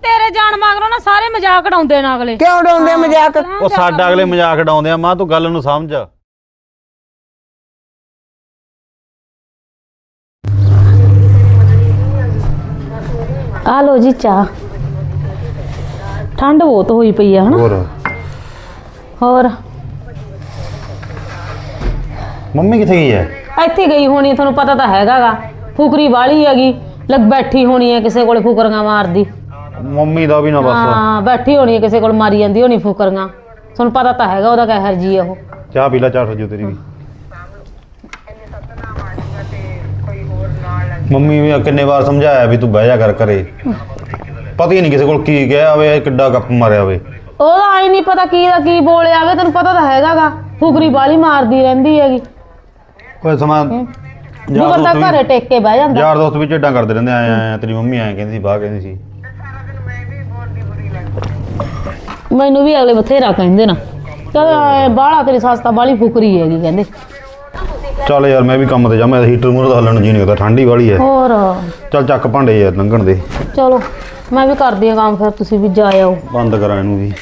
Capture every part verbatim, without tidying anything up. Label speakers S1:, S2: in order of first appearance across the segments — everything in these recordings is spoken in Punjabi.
S1: तेरे जान मगरों ना सारे मजाक उड़ाउंदे ने अगले।
S2: क्यों उड़ाउंदे मजाक?
S3: ਉਹ ਸਾਡਾ ਅਗਲੇ ਮਜ਼ਾਕ ਉਡਾਉਂਦੇ ਆ। ਮਾਂ ਤੂੰ ਗੱਲ ਨੂੰ ਸਮਝ।
S1: आ लो जी चाह। ठंड बहुत हुई पई है हना।
S3: ਹੋਰ
S1: और
S3: ਮੰਮੀ ਕਿੱਥੇ ਗਈ ਹੈ?
S1: ਇੱਥੇ ਗਈ ਹੋਣੀ, ਤੁਹਾਨੂੰ ਪਤਾ ਤਾਂ ਹੈਗਾਗਾ। ਫੁਕਰੀ ਵਾਲੀ ਹੈਗੀ, ਲੱਗ ਬੈਠੀ ਹੋਣੀ ਹੈ ਕਿਸੇ ਕੋਲ ਫੁਕਰੀਆਂ ਮਾਰਦੀ।
S3: ਮੰਮੀ ਦਾ ਵੀ ਨਾ ਬਸ।
S1: ਹਾਂ ਬੈਠੀ ਹੋਣੀ ਹੈ ਕਿਸੇ ਕੋਲ ਮਾਰੀ ਜਾਂਦੀ ਹੋਣੀ ਫੁਕਰੀਆਂ। ਤੁਹਾਨੂੰ ਪਤਾ ਤਾਂ ਹੈਗਾ ਉਹਦਾ ਕਹਿਰ ਜੀ ਉਹ।
S3: ਚਾਹ ਪੀ ਲੈ, ਚਾਹ ਸਜੂ ਤੇਰੀ ਵੀ। ਮੰਮੀ ਵੀ ਕਿੰਨੇ ਵਾਰ ਸਮਝਾਇਆ ਵੀ ਤੂੰ ਬਹਿ ਜਾ ਕਰ ਘਰੇ। ਪਤਾ ਹੀ ਨਹੀਂ ਕਿਸੇ ਕੋਲ ਕੀ ਗਿਆ ਵੇ, ਕਿੱਡਾ ਗੱਪ ਮਾਰਿਆ ਵੇ।
S1: ਉਹਦਾ ਆਈ ਨਹੀਂ ਪਤਾ ਕੀ ਦਾ ਕੀ ਬੋਲਿਆ ਵੇ, ਤੈਨੂੰ ਪਤਾ ਤਾਂ ਹੈਗਾਗਾ। ਫੁਕਰੀ ਵਾਲੀ ਮਾਰਦੀ ਰਹਿੰਦੀ ਹੈਗੀ।
S3: ਕੋਈ ਸਮਾਂ
S1: ਜੋ ਬੰਦਾ ਘਰੇ ਟੇਕ ਕੇ ਬਹਿ ਜਾਂਦਾ।
S3: ਯਾਰ ਦੋਸਤ ਵੀ ਝੇਡਾਂ ਕਰਦੇ ਰਹਿੰਦੇ। ਆਏ ਆਏ ਤੇਰੀ ਮੰਮੀ ਆਏ ਕਹਿੰਦੀ ਸੀ, ਬਾਹਰ ਕਹਿੰਦੀ ਸੀ।
S1: ਮੈਨੂੰ ਵੀ ਅਗਲੇ ਬਥੇਰਾ ਕਹਿੰਦੇ ਨਾ, ਕਹਿੰਦੇ ਬਾਹਲਾ ਤੇਰੀ ਸੱਸ ਤਾਂ ਬਾਹਲੀ ਫੁਕਰੀ ਹੈਗੀ ਕਹਿੰਦੇ।
S3: ਚੱਲ ਯਾਰ ਮੈਂ ਵੀ ਕੰਮ ਤੇ ਜਾ, ਮੈਂ ਹੀਟਰ ਮੂਹਰੇ ਤਾਂ ਹੱਲਣ ਨੂੰ ਜੀ ਨਹੀਂ ਕਰਦਾ, ਠੰਡੀ ਵਾਲੀ ਹੈ।
S1: ਹੋਰ
S3: ਚੱਲ ਚੱਕ ਭਾਂਡੇ ਯਾਰ ਲੰਘਣ ਦੇ।
S1: ਚਲੋ ਮੈਂ ਵੀ ਕਰਦੀ ਆ ਕੰਮ, ਫਿਰ ਤੁਸੀਂ ਵੀ ਜਾ ਆਓ।
S3: ਬੰਦ ਕਰਾਂ ਇਹਨੂੰ ਵੀ।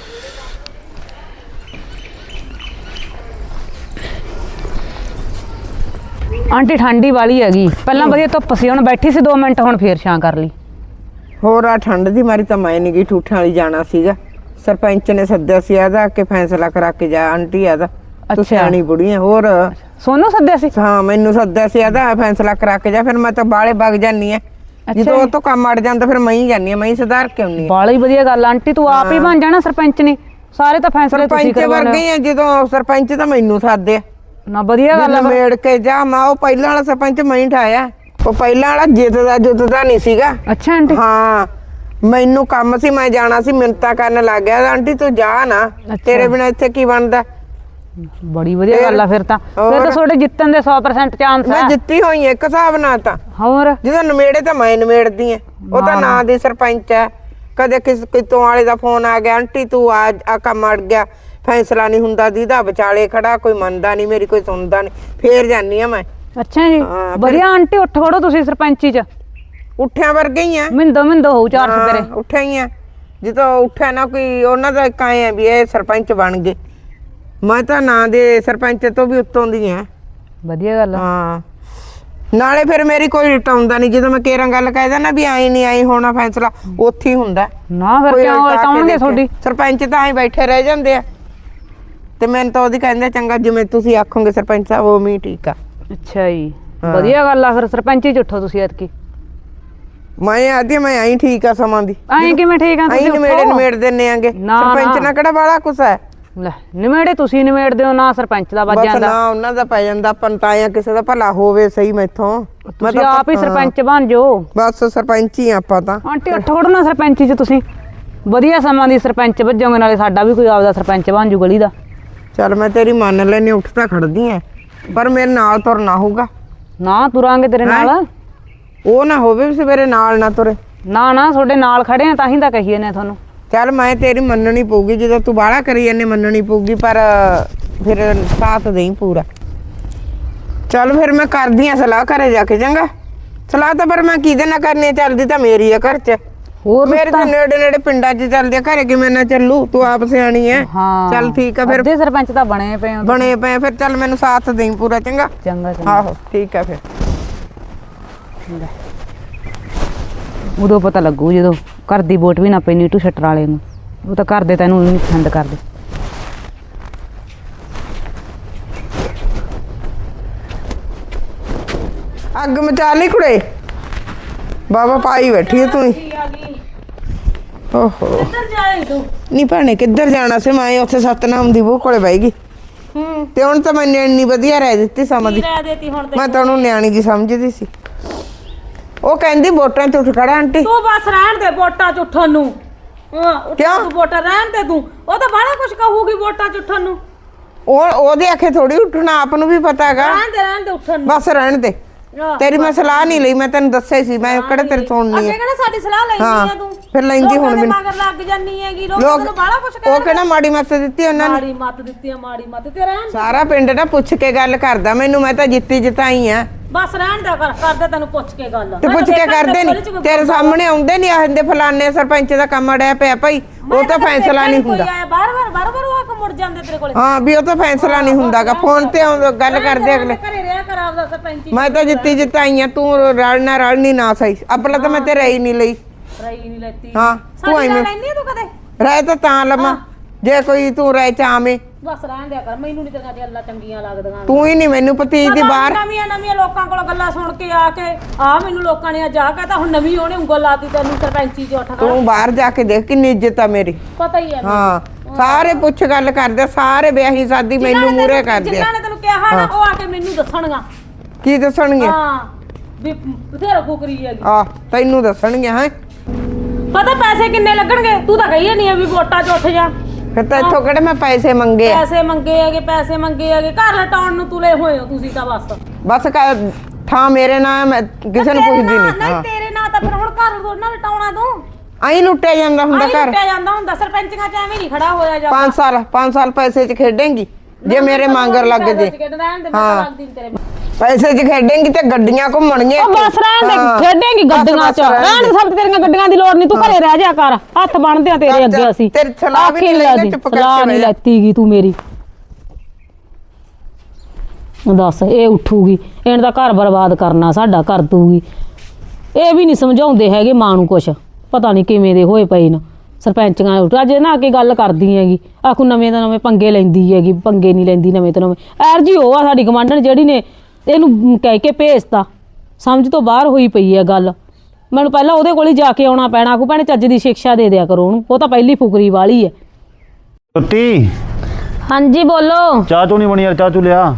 S4: ਆਂਟੀ ਠੰਡੀ ਵਾਲੀ ਹੈਗੀ, ਪਹਿਲਾਂ ਵਧੀਆ ਧੁੱਪ ਸੀ, ਹੁਣ ਬੈਠੀ ਸੀ ਦੋ ਮਿੰਟ, ਹੁਣ ਫੇਰ ਛਾਂ ਕਰ ਲਈ।
S2: ਹੋਰ ਆ ਠੰਡ ਦੀ ਮਾਰੀ ਤਾਂ ਮੈਂ ਨਹੀਂ ਗਈ, ਠੂਠਾਂ ਵਾਲੀ ਜਾਣਾ ਸੀਗਾ। ਸਰਪੰਚ ਨੇ ਸੱਦਿਆ ਸੀ ਆਦਾ ਕਿ ਫੈਸਲਾ ਕਰਾ ਕੇ ਜਾ ਆਂਟੀ ਆਦਾ। ਤੂੰ ਸਿਆਣੀ ਬੁੜੀ ਹੈ। ਹੋਰ
S4: ਸੋਨੂੰ ਸੱਦਿਆ ਸੀ?
S2: ਹਾਂ ਮੈਨੂੰ ਸੱਦਿਆ ਸੀ ਆਦਾ ਫੈਸਲਾ ਕਰਾ ਕੇ ਜਾ। ਫਿਰ ਮੈਂ ਤਾਂ ਬਾਲੇ ਵਗ ਜਾਨੀ ਆ, ਜਦੋਂ ਉਹ ਤੋਂ ਕੰਮ ਅੜ ਜਾਂਦਾ ਫਿਰ ਮੈਂ ਹੀ ਜਾਨੀ ਆ, ਮੈਂ ਹੀ ਸੁਧਾਰ ਕੇ ਆਉਣੀ ਆ।
S4: ਬਾਲੀ ਵਧੀਆ ਗੱਲ ਆਂਟੀ, ਤੂੰ ਆਪ ਹੀ ਬਣ ਜਾਣਾ ਸਰਪੰਚ ਨੇ, ਸਾਰੇ ਤਾਂ ਫੈਸਲੇ ਤੁਸੀਂ
S2: ਸਰਪੰਚ ਵਰਗੇ ਆ। ਜਦੋਂ ਸਰਪੰਚ ਤਾਂ ਮੈਨੂੰ ਸੱਦਿਆ
S4: ਨਾ, ਵਧੀਆ ਗੱਲ ਆ।
S2: ਮੇੜ ਕੇ ਜਾ, ਮੈਂ ਉਹ ਪਹਿਲਾਂ ਵਾਲਾ ਸਰਪੰਚ ਮੈਂ ਹੀ ਠਾਇਆ। ਉਹ ਪਹਿਲਾਂ ਵਾਲਾ ਜਿੱਤਦਾ ਜੁੱਤਦਾ ਨਹੀਂ ਸੀਗਾ।
S4: ਅੱਛਾ ਆਂਟੀ।
S2: ਹਾਂ ਮੈਨੂੰ ਕੰਮ ਸੀ, ਮੈਂ ਜਾਣਾ ਸੀ, ਮਿੰਨਤਾਂ ਕਰਨ ਲੱਗ ਗਿਆ। ਆਂਟੀ ਤੂੰ ਜਾ ਨਾ, ਤੇਰੇ ਬਿਨਾਂ ਇੱਥੇ ਕੀ ਬਣਦਾ।
S4: ਬੜੀ ਵਧੀਆ ਗੱਲ ਆ। ਫਿਰ ਤਾਂ ਫਿਰ ਤਾਂ ਤੁਹਾਡੇ ਜਿੱਤਣ ਦੇ ਸੌ ਪਰਸੈਂਟ ਚਾਂਸ
S2: ਮੈਂ
S4: ਆ।
S2: ਜਿੱਤੀ ਹੋਈ ਇੱਕ ਹਿਸਾਬ ਨਾਲ ਤਾਂ।
S4: ਹੋਰ
S2: ਜਦੋਂ ਨਵੇੜੇ ਤਾਂ ਮੈਂ ਨਵੇੜਦੀ ਆ, ਉਹ ਤਾਂ ਨਾਂ ਦੀ ਸਰਪੰਚ ਹੈ। ਕਦੇ ਕਿਸ ਕਿਤੋਂ ਵਾਲੇ ਦਾ ਫੋਨ ਆ ਗਿਆ, ਆਂਟੀ ਤੂੰ ਆ ਆ ਕੰਮ ਅੜ ਗਿਆ, ਫੈਸਲਾ ਨਹੀਂ ਹੁੰਦਾ, ਦੀਦਾ ਵਿਚਾਲੇ ਖੜਾ, ਕੋਈ ਮੰਨਦਾ ਨਹੀਂ ਮੇਰੀ, ਕੋਈ ਸੁਣਦਾ ਨਹੀਂ, ਫੇਰ ਜਾਨੀ ਆ ਮੈਂ।
S4: ਅੱਛਾ ਜੀ, ਵਧੀਆ ਆਂਟੀ। ਉੱਠ ਖੜੋ ਤੁਸੀਂ ਸਰਪੰਚੀ ਚ,
S2: ਉੱਠਿਆਂ ਵਰਗੇ ਹੀ ਆ।
S4: ਮਿੰਦੋ ਮਿੰਦੋ ਹੋਊ ਚਾਰ ਸਵੇਰੇ।
S2: ਉੱਠਿਆ ਹੀ ਆ, ਜਦੋਂ ਉੱਠਿਆ ਨਾ ਕੋਈ ਉਹਨਾਂ ਦਾ ਇੱਕ ਆਏ ਆ ਵੀ ਇਹ ਸਰਪੰਚ ਬਣ ਗਏ। ਮੈਂ ਤਾਂ ਨਾਂ ਦੇ ਸਰਪੰਚ ਤੋਂ ਵੀ ਉੱਤੋਂ ਦੀ ਆ।
S4: ਵਧੀਆ ਗੱਲ ਆ।
S2: ਹਾਂ ਨਾਲੇ ਫਿਰ ਮੇਰੀ ਕੋਈ ਟਾਉਂਦਾ ਨਹੀਂ, ਜਦੋਂ ਮੈਂ ਕੇਰਾਂ ਗੱਲ ਕਹਿਦਾ ਨਾ ਵੀ ਆਈ ਨਹੀਂ ਆਈ ਹੋਣਾ ਫੈਸਲਾ, ਉੱਥੇ ਹੀ ਹੁੰਦਾ
S4: ਨਾ। ਫਿਰ ਕਿਉਂ ਉਲਟਾਉਣਗੇ ਤੁਹਾਡੀ?
S2: ਸਰਪੰਚ ਤਾਂ ਐਂ ਬੈਠੇ ਰਹਿ ਜਾਂਦੇ ਆ, ਤੇ ਮੈਨੂੰ ਤਾਂ ਉਹਦੀ ਕਹਿੰਦੇ ਚੰਗਾ ਜਿਵੇਂ ਤੁਸੀਂ ਆਖੋਗੇ ਸਰਪੰਚ ਸਾਹਿਬ ਉਹ ਵੀ ਠੀਕ ਆ।
S4: ਅੱਛਾ ਜੀ, ਵਧੀਆ ਗੱਲ ਆ। ਫਿਰ ਸਰਪੰਚੀ ਚ ਉੱਠੋ ਤੁਸੀਂ ਐਤਕੀ।
S2: ਮੈਂ ਆਦੀ ਮੈਂ ਆਈ ਠੀਕ ਆ ਸਮਾਂ ਦੀ।
S4: ਐਂ ਕਿਵੇਂ ਠੀਕ ਆ?
S2: ਆਈ ਨਿਮੇੜੇ ਨਿਮੇੜ ਦਿੰਨੇ ਆਂਗੇ, ਸਰਪੰਚ ਨਾਲ ਕਿਹੜਾ ਬਾਲਾ ਕੁਛ ਹੈ।
S4: ਲੈ ਨਿਮੇੜੇ ਤੁਸੀਂ ਨਿਮੇੜਦੇ ਹੋ ਨਾ, ਸਰਪੰਚ ਦਾ ਵੱਜ ਜਾਂਦਾ।
S2: ਬਸ ਨਾ ਉਹਨਾਂ ਦਾ ਪੈ ਜਾਂਦਾ, ਆਪਾਂ ਨੂੰ ਤਾਂ ਆਇਆ ਕਿਸੇ ਦਾ ਭਲਾ ਹੋਵੇ ਸਹੀ ਮੈਥੋਂ।
S4: ਤੁਸੀਂ ਆਪ ਹੀ ਸਰਪੰਚ ਬਣ ਜਾਓ।
S2: ਬਸ ਸਰਪੰਚ ਹੀ ਆਪਾਂ ਤਾਂ।
S4: ਆਂਟੀ ਉੱਠ ਖੜੋ ਨਾ ਸਰਪੰਚੀ ਚ ਤੁਸੀਂ, ਵਧੀਆ ਸਮਾਂ ਦੀ ਸਰਪੰਚ ਵੱਜੋਗੇ, ਨਾਲੇ ਸਾਡਾ ਵੀ ਕੋਈ ਆਪਦਾ ਸਰਪੰਚ ਬਣ ਜੂ ਗਲੀ ਦਾ।
S2: ਚੱਲ ਮੈਂ ਤੇਰੀ ਮੰਨ ਲੈਣੀ, ਉੱਠ ਤਾਂ ਖੜਦੀ ਐ, ਪਰ ਮੇਰੇ ਨਾਲ ਤੁਰਨਾ ਹੋਊਗਾ।
S4: ਨਾ ਤੁਰਾਂਗੇ ਤੇਰੇ ਨਾਲ।
S2: ਉਹ ਨਾ ਹੋਵੇ ਵੀ ਸਵੇਰੇ ਨਾਲ ਨਾ ਤੁਰੇ।
S4: ਨਾ ਨਾ ਤੁਹਾਡੇ ਨਾਲ ਖੜੇ ਆ ਤਾਂ ਹੀ ਤਾਂ ਕਹੀਏ ਨੇ ਤੁਹਾਨੂੰ।
S2: ਚੱਲ ਮੈਂ ਤੇਰੀ ਮੰਨਣੀ ਪਊਗੀ, ਜਦੋਂ ਤੂੰ ਬਾਹਲਾ ਕਰੀ ਜਾਂਦੇ ਮੰਨਣੀ ਪਊਗੀ, ਪਰ ਫਿਰ ਸਾਥ ਦੇਈ ਪੂਰਾ। ਚੱਲ ਫਿਰ ਮੈਂ ਕਰਦੀ ਆ ਸਲਾਹ ਘਰੇ ਜਾ ਕੇ। ਚੰਗਾ ਸਲਾਹ ਤਾਂ ਪਰ ਮੈਂ ਕਿਹਦੇ ਨਾਲ ਕਰਨੀ, ਚੱਲਦੀ ਤਾਂ ਮੇਰੀ ਆ ਘਰ ਚ।
S4: ਹੋਰ
S2: ਮੇਰੇ ਤਾਂ ਨੇੜੇ ਨੇੜੇ ਪਿੰਡਾਂ ਚ ਚੱਲਦੀ ਆ, ਘਰੇ ਕਿਵੇਂ ਨਾ ਚੱਲੂ, ਤੂੰ ਆਪ ਸਿਆਣੀ ਐ। ਚੱਲ ਠੀਕ ਆ ਫਿਰ,
S4: ਅੱਧੇ ਸਰਪੰਚ ਤਾਂ ਬਣੇ ਪਏ ਹੋ।
S2: ਬਣੇ ਪਏ ਫਿਰ। ਚੱਲ ਮੈਨੂੰ ਸਾਥ ਦੇਈ ਪੂਰਾ। ਚੰਗਾ
S4: ਚੰਗਾ ਚੰਗਾ।
S2: ਆਹੋ ਠੀਕ ਆ ਫਿਰ।
S4: ਉਦੋਂ ਪਤਾ ਲੱਗੂ ਜਦੋਂ ਘਰ ਦੀ ਵੋਟ ਵੀ ਨਾ ਪਈ ਨੀਟੂ ਸ਼ਟਰ ਵਾਲੇ ਨੂੰ। ਉਹ ਤਾਂ ਘਰ ਦੇ ਤੈਨੂੰ ਨਹੀਂ ਪਸੰਦ ਕਰਦੇ।
S2: ਅੱਗ ਮਚਾ ਲਈ ਕੁੜੇ, ਬਾਬਾ ਪਾਈ ਬੈਠੀ ਹੈ ਤੂੰ ਹੀ। ਓਹੋ
S1: ਕਿੱਧਰ ਜਾਏ ਤੂੰ?
S2: ਨਹੀਂ ਭੈਣੇ ਕਿੱਧਰ ਜਾਣਾ ਸੀ, ਮੈਂ ਉੱਥੇ ਸਤਨਾਮ ਦੀ ਬਹੂ ਕੋਲੇ ਬਹਿ ਗਈ।
S1: ਹੂੰ
S2: ਤੇ ਹੁਣ ਤਾਂ ਮੈਨੂੰ ਇੰਨੀ ਵਧੀਆ ਰਹਿ ਦਿੱਤੀ ਸਮਾਂ ਦੀ।
S1: ਰਹਿ ਦੇਤੀ ਹੁਣ ਤੇ।
S2: ਮੈਂ ਤਾਂ ਉਹਨੂੰ ਨਿਆਣੀ ਜੀ ਸਮਝਦੀ ਸੀ। ਉਹ ਕਹਿੰਦੀ ਵੋਟਾਂ ਚ ਉੱਠ ਖੜਾ ਆਂਟੀ।
S1: ਤੂੰ ਬਸ ਰਹਿਣ ਦੇ ਵੋਟਾਂ ਚ ਉੱਠਣ ਨੂੰ। ਹਾਂ
S2: ਕਿਉਂ?
S1: ਤੂੰ ਵੋਟਾਂ ਰਹਿਣ ਦੇ ਤੂੰ। ਉਹ ਤਾਂ ਬੜਾ ਕੁਝ ਕਹੂਗੀ ਵੋਟਾਂ ਚ ਉੱਠਣ ਨੂੰ।
S2: ਉਹ ਉਹਦੇ ਆਖੇ ਥੋੜੀ ਉੱਠਣਾ, ਆਪ ਨੂੰ ਵੀ ਪਤਾ ਹੈਗਾ।
S1: ਰਹਿਣ ਦੇ ਰਹਿਣ ਦੇ ਉੱਠਣ ਨੂੰ।
S2: ਬਸ ਰਹਿਣ ਦੇ, ਤੇਰੀ ਮੈਂ ਸਲਾਹ ਨਹੀਂ ਲਈ, ਮੈਂ ਤੈਨੂੰ ਦੱਸਿਆ ਸੀ। ਮੈਂ ਕਿਹੜੇ ਤੇਰੇ ਸੁਣਨੀ
S1: ਅੱਗੇ
S2: ਹੈ।
S1: ਕਿਹੜਾ ਸਾਡੀ ਸਲਾਹ ਲੈਂਦੀ ਆ ਤੂੰ?
S2: ਫਿਰ ਲੈਂਦੀ ਹੁਣ ਮੈਨੂੰ।
S1: ਮਗਰ ਲੱਗ ਜਾਨੀ ਹੈਗੀ, ਲੋਕ
S2: ਲੋਕ
S1: ਤੈਨੂੰ ਬੜਾ ਕੁਝ
S2: ਉਹ ਕਿਹੜਾ ਮਾੜੀ ਮੱਤ ਦਿੱਤੀ ਉਹਨਾਂ ਨੇ।
S1: ਮਾੜੀ ਮੱਤ ਦਿੱਤੀ ਆ, ਮਾੜੀ ਮੱਤ ਤੇ ਰਹਿਣ।
S2: ਸਾਰਾ ਪਿੰਡ ਨਾ ਪੁੱਛ ਕੇ ਗੱਲ ਕਰਦਾ ਮੈਨੂੰ, ਮੈਂ ਤਾਂ ਜਿੱਤੀ ਜਿਤਾਈ ਆ।
S1: ਬਸ ਰਹਿਣ ਦਾ ਕਰ ਕਰਦੇ ਤੈਨੂੰ ਪੁੱਛ ਕੇ ਗੱਲ
S2: ਤੇ ਪੁੱਛ ਕੇ ਕਰਦੇ ਨਹੀਂ ਤੇਰੇ ਸਾਹਮਣੇ ਆਉਂਦੇ ਨਹੀਂ ਆਹਦੇ ਫਲਾਣੇ ਸਰਪੰਚ ਦਾ ਕੰਮ ਅੜਿਆ ਪਿਆ ਭਾਈ ਉਹ ਤਾਂ ਫੈਸਲਾ ਨਹੀਂ ਹੁੰਦਾ
S1: ਬਾਰ ਬਾਰ ਬਾਰ ਬਾਰ ਆ ਕੇ ਮੁੜ ਜਾਂਦੇ ਤੇਰੇ ਕੋਲੇ
S2: ਹਾਂ ਵੀ ਉਹ ਤਾਂ ਫੈਸਲਾ ਨਹੀਂ ਹੁੰਦਾਗਾ ਫੋਨ ਤੇ ਆਉਂਦਾ ਗੱਲ ਕਰਦੇ ਅਗਲੇ
S1: ਘਰੇ ਰਿਹਾ ਕਰ ਆਪਦਾ ਸਰਪੰਚੀ
S2: ਮੈਂ ਤਾਂ ਜਿੱਤੀ ਜਿੱਤਾਈਆਂ ਤੂੰ ਰਲਣਾ ਰਲਣੀ ਨਾ ਸਹੀ ਆਪਣਾ ਤਾਂ ਮੈਂ ਤੇ ਰਹੀ ਨਹੀਂ ਲਈ
S1: ਰਹੀ ਨਹੀਂ ਲੈਤੀ
S2: ਹਾਂ ਤੂੰ
S1: ਸਾਡੀ
S2: ਐਵੇਂ
S1: ਲੈਣੀ ਤੂੰ ਕਦੇ
S2: ਰਹਿ ਤਾਂ ਤਾਂ ਲਵਾਂ ਜੇ ਕੋਈ ਤੂੰ ਰਹਿ ਚਾਵੇਂ
S1: ਬਸ ਰਹਿਣ ਦਿਆ ਕਰ ਮੈਨੂੰ ਨਹੀਂ ਤੇਰੀਆਂ ਗੱਲਾਂ ਚੰਗੀਆਂ ਲੱਗਦੀਆਂ
S2: ਤੂੰ ਹੀ ਨਹੀਂ ਮੈਨੂੰ ਪਤੀ ਦੀ ਬਾਹਰ
S1: ਨਵੀਆਂ ਨਵੀਆਂ ਲੋਕਾਂ ਕੋਲ ਗੱਲਾਂ ਸੁਣ ਕੇ ਆ ਕੇ ਆ ਮੈਨੂੰ ਲੋਕਾਂ ਨੇ ਅੱਜ ਆ ਕਹਤਾ ਹੁਣ ਨਵੀਂ ਉਹਨੇ ਉਂਗਲ ਲਾਤੀ ਤੈਨੂੰ ਸਰਪੰਚੀ ਚ ਉੱਠ ਖੜ
S2: ਤੂੰ ਬਾਹਰ ਜਾ ਕੇ ਦੇਖ ਕਿੰਨੀ ਇੱਜ਼ਤ ਆ ਮੇਰੀ
S1: ਪਤਾ ਹੀ ਹੈ
S2: ਹਾਂ ਸਾਰੇ ਪੁੱਛ ਗੱਲ ਕਰਦੇ ਸਾਰੇ ਵਿਆਹੀ ਸਾਦੀ ਮੈਨੂੰ ਮੂਰੇ ਕਰਦੇ
S1: ਜਿਨ੍ਹਾਂ ਨੇ ਤੈਨੂੰ ਕਿਹਾ ਨਾ ਉਹ ਆ ਕੇ ਮੈਨੂੰ ਦੱਸਣਗਾ
S2: ਕੀ ਦੱਸਣਗੇ
S1: ਹਾਂ ਵੀ ਬਥੇਰਾ ਫੁਕਰੀ ਹੈਗੀ
S2: ਆ ਤੈਨੂੰ ਦੱਸਣਗੇ ਹੈ
S1: ਪਤਾ ਪੈਸੇ ਕਿੰਨੇ ਲੱਗਣਗੇ ਤੂੰ ਤਾਂ ਕਹੀ ਨਹੀਂ ਵੀ ਵੋਟਾਂ 'ਚ ਉੱਠ ਜਾ
S2: ਫਿਰ ਤਾਂ ਇੱਥੋਂ ਕਿਹੜੇ ਮੈਂ ਪੈਸੇ ਮੰਗੇ ਆ
S1: ਪੈਸੇ ਮੰਗੇ ਹੈਗੇ ਪੈਸੇ ਮੰਗੇ ਹੈਗੇ ਘਰ ਲਟਾਉਣ ਨੂੰ ਤੁਲੇ ਹੋਏ ਹੋ ਤੁਸੀਂ ਤਾਂ ਬਸ
S2: ਬਸ ਕ- ਥਾਂ ਮੇਰੇ ਨਾਲ ਮੈਂ ਕਿਸੇ ਨੂੰ ਪੁੱਛਦੀ ਨਹੀਂ
S1: ਨਹੀਂ ਤੇਰੇ ਨਾਲ ਤਾਂ ਫਿਰ ਹੁਣ ਘਰ ਥੋੜਾ ਲਟਾਉਣਾ ਤੂੰ
S2: ਆਈ ਲੁੱਟਿਆ ਜਾਂਦਾ ਹੁੰਦਾ
S1: ਆਈ
S2: ਘਰ
S1: ਲੁੱਟਿਆ ਜਾਂਦਾ ਹੁੰਦਾ ਸਰਪੰਚੀਆਂ 'ਚ ਐਵੇਂ ਨਹੀਂ ਖੜਾ ਹੋਇਆ ਜਾਂਦਾ
S2: ਪੰਜ ਸਾਲ ਪੰਜ ਸਾਲ ਪੈਸੇ 'ਚ ਖੇਡੇਂਗੀ ਜੇ ਮੇਰੇ ਮੰਗਰ ਲੱਗ ਜੇ
S1: ਹਾਂ
S2: ਪੈਸੇ 'ਚ ਖੇਡੇਂਗੀ ਤੇ ਗੱਡੀਆਂ ਘੁੰਮਣਗੀਆਂ
S1: ਉਹ ਬਸ ਰਹਿਣ ਦੇ ਖੇਡੇਂਗੀ ਗੱਡੀਆਂ 'ਚ ਰਹਿਣ ਦੇ ਸਭ ਤੇਰੀਆਂ ਗੱਡੀਆਂ ਦੀ ਲੋੜ ਨਹੀਂ ਤੂੰ ਘਰੇ ਰਹਿ ਜਾ ਕਰ ਹੱਥ ਬਣਦੇ ਆ ਤੇਰੇ ਅੱਗੇ ਅਸੀਂ
S2: ਤੇਰੀ ਸਲਾਹ ਵੀ ਨਹੀਂ ਲੈਂਦੇ ਚੁੱਪ ਕਰਕੇ
S1: ਸਲਾਹ ਨਹੀਂ ਲੈਤੀਗੀ ਤੂੰ ਮੇਰੀ ਦੱਸ ਇਹ ਉੱਠੂਗੀ ਇਹਨੇ ਤਾਂ ਘਰ ਬਰਬਾਦ ਕਰਨਾ ਸਾਡਾ ਕਰ ਦੂਗੀ ਇਹ ਵੀ ਨਹੀਂ ਸਮਝਾਉਂਦੇ ਹੈਗੇ ਮਾਂ ਨੂੰ ਕੁਛ ਪਤਾ ਨਹੀਂ ਕਿਵੇਂ ਦੇ ਹੋਏ ਪਏ ਨੇ ਸਰਪੰਚੀਆਂ ਉੱਠ ਅੱਜ ਨਾ ਕੇ ਗੱਲ ਕਰਦੀ ਹੈਗੀ ਆਖੂ ਨਵੇਂ ਤੋਂ ਨਵੇਂ ਪੰਗੇ ਲੈਂਦੀ ਹੈਗੀ ਪੰਗੇ ਨਹੀਂ ਲੈਂਦੀ ਨਵੇਂ ਤੋਂ ਨਵੇਂ ਐਰ ਜੀ ਉਹ ਆ ਸਾਡੀ ਗਵਾਂਢਣ ਜਿਹੜੀ ਨੇ ਇਹਨੂੰ ਕਹਿ ਕੇ ਭੇਜਤਾ ਸਮਝ ਤੋਂ ਬਾਹਰ ਹੋਈ ਪਈ ਹੈ ਗੱਲ ਮੈਨੂੰ ਪਹਿਲਾਂ ਉਹਦੇ ਕੋਲ ਹੀ ਜਾ ਕੇ ਆਉਣਾ ਪੈਣਾ ਆਖੂ ਭੈਣੇ ਚੱਜ ਦੀ ਸਿੱਖਿਆ ਦੇ ਦਿਆ ਕਰੋ ਉਹਨੂੰ ਉਹ ਤਾਂ ਪਹਿਲੀ ਫੁਕਰੀ ਵਾਲੀ ਹੈ
S3: ਸੁੱਤੀ
S1: ਹਾਂਜੀ ਬੋਲੋ
S3: ਚਾਹ ਚੂ ਨਹੀਂ ਬਣੀ ਯਾਰ ਚਾਹ ਚੂ ਲਿਆ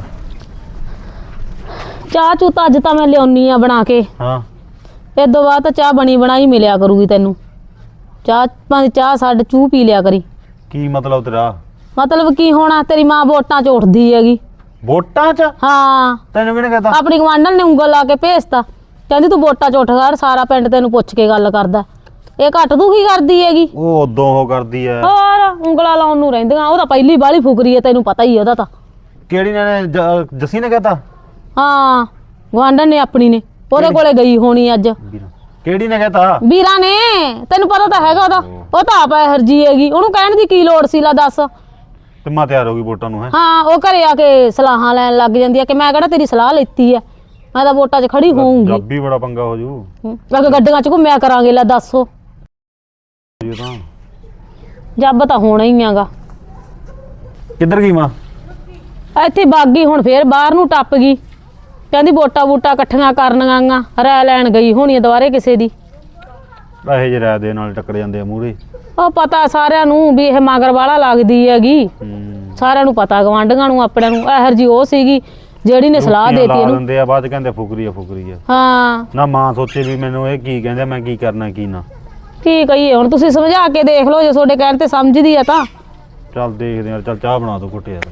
S1: ਚਾਹ ਚੂ ਤਾਂ ਅੱਜ ਤਾਂ ਮੈਂ ਲਿਆਉਣੀ ਆ ਬਣਾ ਕੇ
S3: ਹਾਂ
S1: ਇਹ ਤੋਂ ਬਾਅਦ ਤਾਂ ਚਾਹ ਬਣੀ ਬਣਾਈ ਮਿਲਿਆ ਕਰੂਗੀ ਤੈਨੂੰ ਚਾਹ ਭਾਵੇਂ ਚਾਹ ਛੱਡ ਚੂ ਪੀ ਲਿਆ ਕਰੀ
S3: ਕੀ ਮਤਲਬ ਤੇਰਾ
S1: ਮਤਲਬ ਕੀ ਹੋਣਾ ਤੇਰੀ ਮਾਂ ਵੋਟਾਂ 'ਚ ਉੱਠਦੀ ਹੈਗੀ
S3: ਵੋਟਾਂ 'ਚ
S1: ਹਾਂ
S3: ਤੈਨੂੰ ਕਿਹਨੇ ਕਹਤਾ
S1: ਆਪਣੀ ਗਵਾਂਢਣ ਨੇ ਉਂਗਲ ਲਾ ਕੇ ਭੇਜਤਾ ਕਹਿੰਦੀ ਤੂੰ ਵੋਟਾਂ 'ਚ ਉੱਠ ਕਰ ਸਾਰਾ ਪਿੰਡ ਤੈਨੂੰ ਪੁੱਛ ਕੇ ਗੱਲ ਕਰਦਾ ਇਹ ਘੱਟ ਤੂੰ ਕੀ ਕਰਦੀ ਹੈਗੀ
S3: ਉਹ ਉਦੋਂ ਉਹ ਕਰਦੀ ਐ
S1: ਹੋਰ ਉਂਗਲਾਂ ਲਾਉਣ ਨੂੰ ਰਹਿੰਦੀਆਂ ਉਹ ਤਾਂ ਪਹਿਲੀ ਬਾਹਲੀ ਫੁਕਰੀ ਹੈ ਤੈਨੂੰ ਪਤਾ ਹੀ ਉਹਦਾ ਤਾਂ
S3: ਕਿਹੜੀ ਨੇ ਜ- ਜੱਸੀ ਨੇ ਕਹਤਾ
S1: ਹਾਂ ਗਵਾਂਢਣ ਨੇ ਆਪਣੀ ਨੇ ਉਹਦੇ ਕੋਲੇ ਗਈ ਹੋਣੀ ਅੱਜ
S3: ਕਿਹੜੀ ਨੇ ਕਹਤਾ
S1: ਵੀਰਾਂ ਨੇ ਤੈਨੂੰ ਪਤਾ ਤਾਂ ਹੈਗਾ ਉਹਦਾ ਉਹ ਤਾਂ ਆਪ ਹਰਜੀ ਹੈਗੀ ਉਹਨੂੰ ਕਹਿਣ ਦੀ ਕੀ ਲੋੜ ਸੀ ਲਾ ਦੱਸ
S3: ਤੇ ਮਾਂ ਤਿਆਰ ਹੋ ਗਈ ਵੋਟਾਂ ਨੂੰ ਹੈ
S1: ਹਾਂ ਉਹ ਘਰੇ ਆ ਕੇ ਸਲਾਹਾਂ ਲੈਣ ਲੱਗ ਜਾਂਦੀ ਆ ਕਿ ਮੈਂ ਕਿਹੜਾ ਤੇਰੀ ਸਲਾਹ ਲੈਤੀ ਆ ਮੈਂ ਤਾਂ ਵੋਟਾਂ 'ਚ ਖੜੀ ਹੋਊਂਗੀ
S3: ਜੱਬੀ ਬੜਾ ਪੰਗਾ ਹੋ ਜੂ
S1: ਅਗੇ ਗੱਡੀਆਂ 'ਚ ਘੁੰਮਿਆ ਕਰਾਂਗੇ ਲੈ ਦੱਸੋ
S3: ਇਹ ਤਾਂ
S1: ਜੱਬ ਤਾਂ ਹੋਣਾ ਹੀ ਆਗਾ
S3: ਕਿੱਧਰ ਗਈ ਮਾਂ
S1: ਇੱਥੇ ਬਾਗੀ ਹੁਣ ਫੇਰ ਬਾਹਰ ਨੂੰ ਟੱਪ ਗਈ ਕਹਿੰਦੀ ਵੋਟਾਂ ਵੋਟਾਂ ਇਕੱਠੀਆਂ ਕਰਨੀਆਂ ਰਾਇ ਲੈਣ ਗਈ ਹੋਣੀ ਦੁਬਾਰੇ ਕਿਸੇ ਦੀ
S3: ਇਹ ਜਿਹੇ ਰਾਇ ਦੇ ਨਾਲ ਟੱਕਰ ਜਾਂਦੇ ਆ ਮੂਹਰੇ
S1: ਉਹ ਪਤਾ ਸਾਰਿਆਂ ਨੂੰ ਵੀ ਇਹ ਮਗਰ ਵਾਲਾ ਲੱਗਦੀ ਹੈਗੀ ਸਾਰਿਆਂ ਨੂੰ ਪਤਾ ਗਵਾਂਢੀਆਂ ਨੂੰ ਆਪਣਿਆਂ ਨੂੰ ਇਹੋ ਜਿਹੀ ਉਹ ਸੀਗੀ ਜਿਹੜੀ ਨੇ ਸਲਾਹ ਦੇਤੀ
S3: ਲਾ
S1: ਇਹਨੂੰ
S3: ਦਿੰਦੇ ਆ ਬਾਅਦ 'ਚ ਕਹਿੰਦੇ ਫੁਕਰੀ ਆ ਫੁਕਰੀ ਆ
S1: ਹਾਂ
S3: ਨਾ ਮਾਂ ਸੋਚੇ ਵੀ ਮੈਨੂੰ ਇਹ ਕੀ ਕਹਿੰਦੇ ਮੈਂ ਕੀ ਕਰਨਾ ਕੀ ਨਾ
S1: ਕੀ ਕਹੀਏ ਹੁਣ ਤੁਸੀਂ ਸਮਝਾ ਕੇ ਦੇਖ ਲਓ ਜੇ ਤੁਹਾਡੇ ਕਹਿਣ ਤੇ ਸਮਝਦੀ ਆ ਤਾਂ
S3: ਚੱਲ ਦੇਖਦੇ ਯਾਰ ਚੱਲ ਚਾਹ ਬਣਾ ਦੋ ਘੁੱਟ ਯਾਰ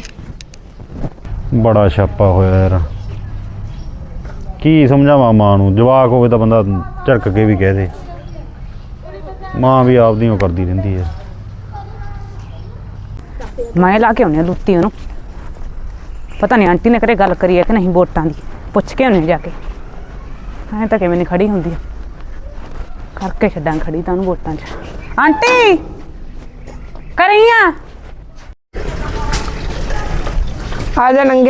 S3: ਬੜਾ ਛਾਪਾ ਹੋਇਆ ਯਾਰ ਕੀ ਸਮਝਾਵਾਂ ਮਾਂ ਨੂੰ ਜਵਾਕ ਹੋਵੇ ਤਾਂ ਬੰਦਾ ਝੜਕ ਕੇ ਵੀ ਕਹਿ ਦੇ ਮਾਂ ਵੀ ਆਪਦੀ ਉਹ ਕਰਦੀ ਰਹਿੰਦੀ ਹੈ
S4: ਮੈਂ ਲਾ ਕੇ ਆਉਂਦੀ ਹਾਂ ਲੁੱਤੀ ਉਹਨੂੰ ਪਤਾ ਨਹੀਂ ਆਂਟੀ ਨੇ ਕਰੇ ਗੱਲ ਕਰੀ ਹੈ ਕਿ ਨਹੀਂ ਵੋਟਾਂ ਦੀ ਪੁੱਛ ਕੇ ਆਉਂਦੇ ਜਾ ਕੇ ਐਂ ਤਾਂ ਕਿਵੇਂ ਨਹੀਂ ਖੜੀ ਹੁੰਦੀ ਆ ਕਰਕੇ ਛੱਡਾਂ ਖੜੀ ਤਾਂ ਉਹਨੂੰ ਵੋਟਾਂ 'ਚ ਆਂਟੀ ਕਰੀ ਆ
S2: ਆ ਜਾ ਨੰਗਿਆ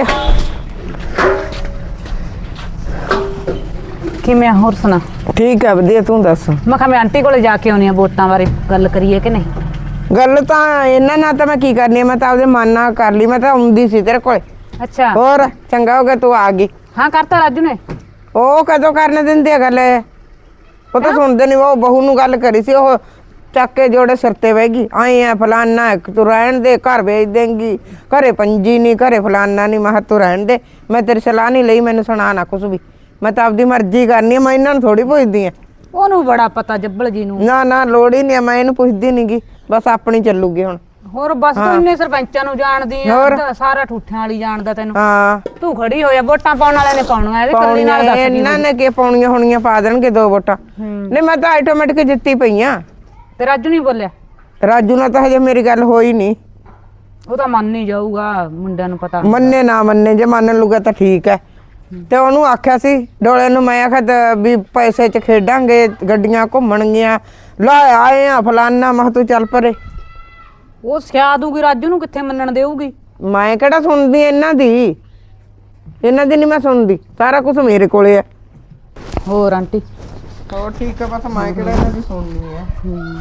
S4: ਕਿਵੇਂ ਆ? ਹੋਰ ਸੁਣਾ
S2: ਠੀਕ ਹੈ ਵਧੀਆ ਤੂੰ ਦੱਸ
S4: ਮੈਂ ਕਿਹਾ ਮੈਂ ਆਂਟੀ ਕੋਲੇ ਜਾ ਕੇ ਆਉਂਦੀ ਹਾਂ ਵੋਟਾਂ ਬਾਰੇ ਗੱਲ ਕਰੀਏ ਕਿ ਨਹੀਂ
S2: ਗੱਲ ਤਾਂ ਇਹਨਾਂ ਨਾਲ ਤਾਂ ਮੈਂ ਕੀ ਕਰਨੀ ਆ ਮੈਂ ਤਾਂ ਆਪਦੇ ਮਨ ਨਾਲ ਕਰ ਲਈ ਮੈਂ ਤਾਂ ਆਉਂਦੀ ਸੀ ਤੇਰੇ ਕੋਲੇ
S4: ਅੱਛਾ
S2: ਹੋਰ ਚੰਗਾ ਹੋ ਗਿਆ ਤੂੰ ਆ ਗਈ
S4: ਹਾਂ ਕਰਤਾ ਰਾਜੂ ਨੇ
S2: ਉਹ ਕਦੋਂ ਕਰਨ ਦਿੰਦੇ ਆ ਗੱਲ ਇਹ? ਉਹ ਤਾਂ ਸੁਣਦੇ ਨਹੀਂ ਉਹ ਬਹੂ ਨੂੰ ਗੱਲ ਕਰੀ ਸੀ ਉਹ ਚੱਕ ਕੇ ਜੋੜੇ ਸਿਰ ਤੇ ਬਹਿ ਗਈ ਆਏ ਆ ਫਲਾਨਾ ਤੂੰ ਰਹਿਣ ਦੇ ਘਰ ਵੇਚ ਦੇਂਗੀ ਘਰੇ ਪੰਜੀ ਨਹੀਂ ਘਰੇ ਫਲਾਨਾ ਨਹੀਂ ਮੈਂ ਕਿਹਾ ਤੂੰ ਰਹਿਣ ਦੇ ਮੈਂ ਤੇਰੀ ਸਲਾਹ ਨਹੀਂ ਲਈ ਮੈਨੂੰ ਸੁਣਾ ਨਾ ਕੁਛ ਵੀ ਮੈਂ ਤਾਂ ਆਪਦੀ ਮਰਜ਼ੀ ਕਰਨੀ ਆ ਮੈਂ ਇਹਨਾਂ ਨੂੰ ਥੋੜੀ ਪੁੱਛਦੀ ਆ
S4: ਉਹਨੂੰ ਬੜਾ ਪਤਾ ਜੱਬਲ ਜੀ ਨੂੰ
S2: ਨਾ ਨਾ ਲੋੜ ਹੀ ਨਹੀਂ ਮੈਂ ਇਹਨੂੰ ਪੁੱਛਦੀ ਨਹੀਂਗੀ ਬਸ ਆਪਣੀ ਚੱਲੂਗੀ ਹੁਣ
S4: ਹੋਰ ਬਸ ਤੂੰ ਇੰਨੇ ਸਰਪੰਚਾਂ ਨੂੰ ਜਾਣਦੀ ਆ ਸਾਰਾ ਠੂਠਿਆਂ ਵਾਲੀ ਜਾਣਦਾ ਤੈਨੂੰ
S2: ਹਾਂ
S4: ਤੂੰ ਖੜੀ ਹੋਇਆ ਵੋਟਾਂ ਪਾਉਣ ਵਾਲਿਆਂ ਨੇ ਪਾਉਣੀਆਂ ਇਹਦੇ ਕੱਲੀ ਨਾਲ ਦੱਸ
S2: ਇਹਨਾਂ ਨੇ ਕੀ ਪਾਉਣੀਆਂ ਹੋਣੀਆਂ ਪਾ ਦੇਣਗੇ ਦੋ ਵੋਟਾਂ ਨਹੀਂ ਮੈਂ ਤਾਂ ਆਟੋਮੈਟਿਕ ਜਿੱਤੀ ਪਈਆਂ
S4: ਤੇ ਰਾਜੂ ਨਹੀਂ ਬੋਲਿਆ
S2: ਰਾਜੂ ਨਾਲ ਤਾਂ ਹਜੇ ਮੇਰੀ ਗੱਲ ਹੋਈ ਨਹੀਂ
S4: ਉਹ ਤਾਂ ਮੰਨ ਨਹੀਂ ਜਾਊਗਾ ਮੁੰਡਿਆਂ ਨੂੰ ਪਤਾ
S2: ਮੰਨੇ ਨਾ ਮੰਨੇ ਜੇ ਮੰਨ ਲੂਗਾ ਤਾਂ ਠੀਕ ਹੈ ਤੇ ਉਹਨੂੰ ਆਖਿਆ ਸੀ ਡੋਲੇ ਨੂੰ, ਮੈਂ ਆਖਿਆ ਦ- ਵੀ ਪੈਸੇ 'ਚ ਖੇਡਾਂਗੇ, ਗੱਡੀਆਂ ਘੁੰਮਣਗੀਆਂ, ਲੈ ਆਏ ਆ ਫਲਾਨਾ। ਮੈਂ ਕਿਹਾ ਤੂੰ ਚੱਲ ਪਰੇ।
S4: ਉਹ ਸਿਆ ਦੂਗੀ ਰਾਜੂ ਨੂੰ, ਕਿੱਥੇ ਮੰਨਣ ਦੇਊਗੀ।
S2: ਮੈਂ ਕਿਹੜਾ ਸੁਣਦੀ ਇਹਨਾਂ ਦੀ, ਇਹਨਾਂ ਦੀ ਨਹੀਂ ਮੈਂ ਸੁਣਦੀ, ਸਾਰਾ ਕੁਝ ਮੇਰੇ ਕੋਲੇ ਆ।
S4: ਹੋਰ ਆਂਟੀ
S2: ਹੋਰ ਠੀਕ ਆ, ਬਸ ਮੈਂ ਕਿਹੜਾ ਇਹਨਾਂ ਦੀ ਸੁਣਨੀ ਆ।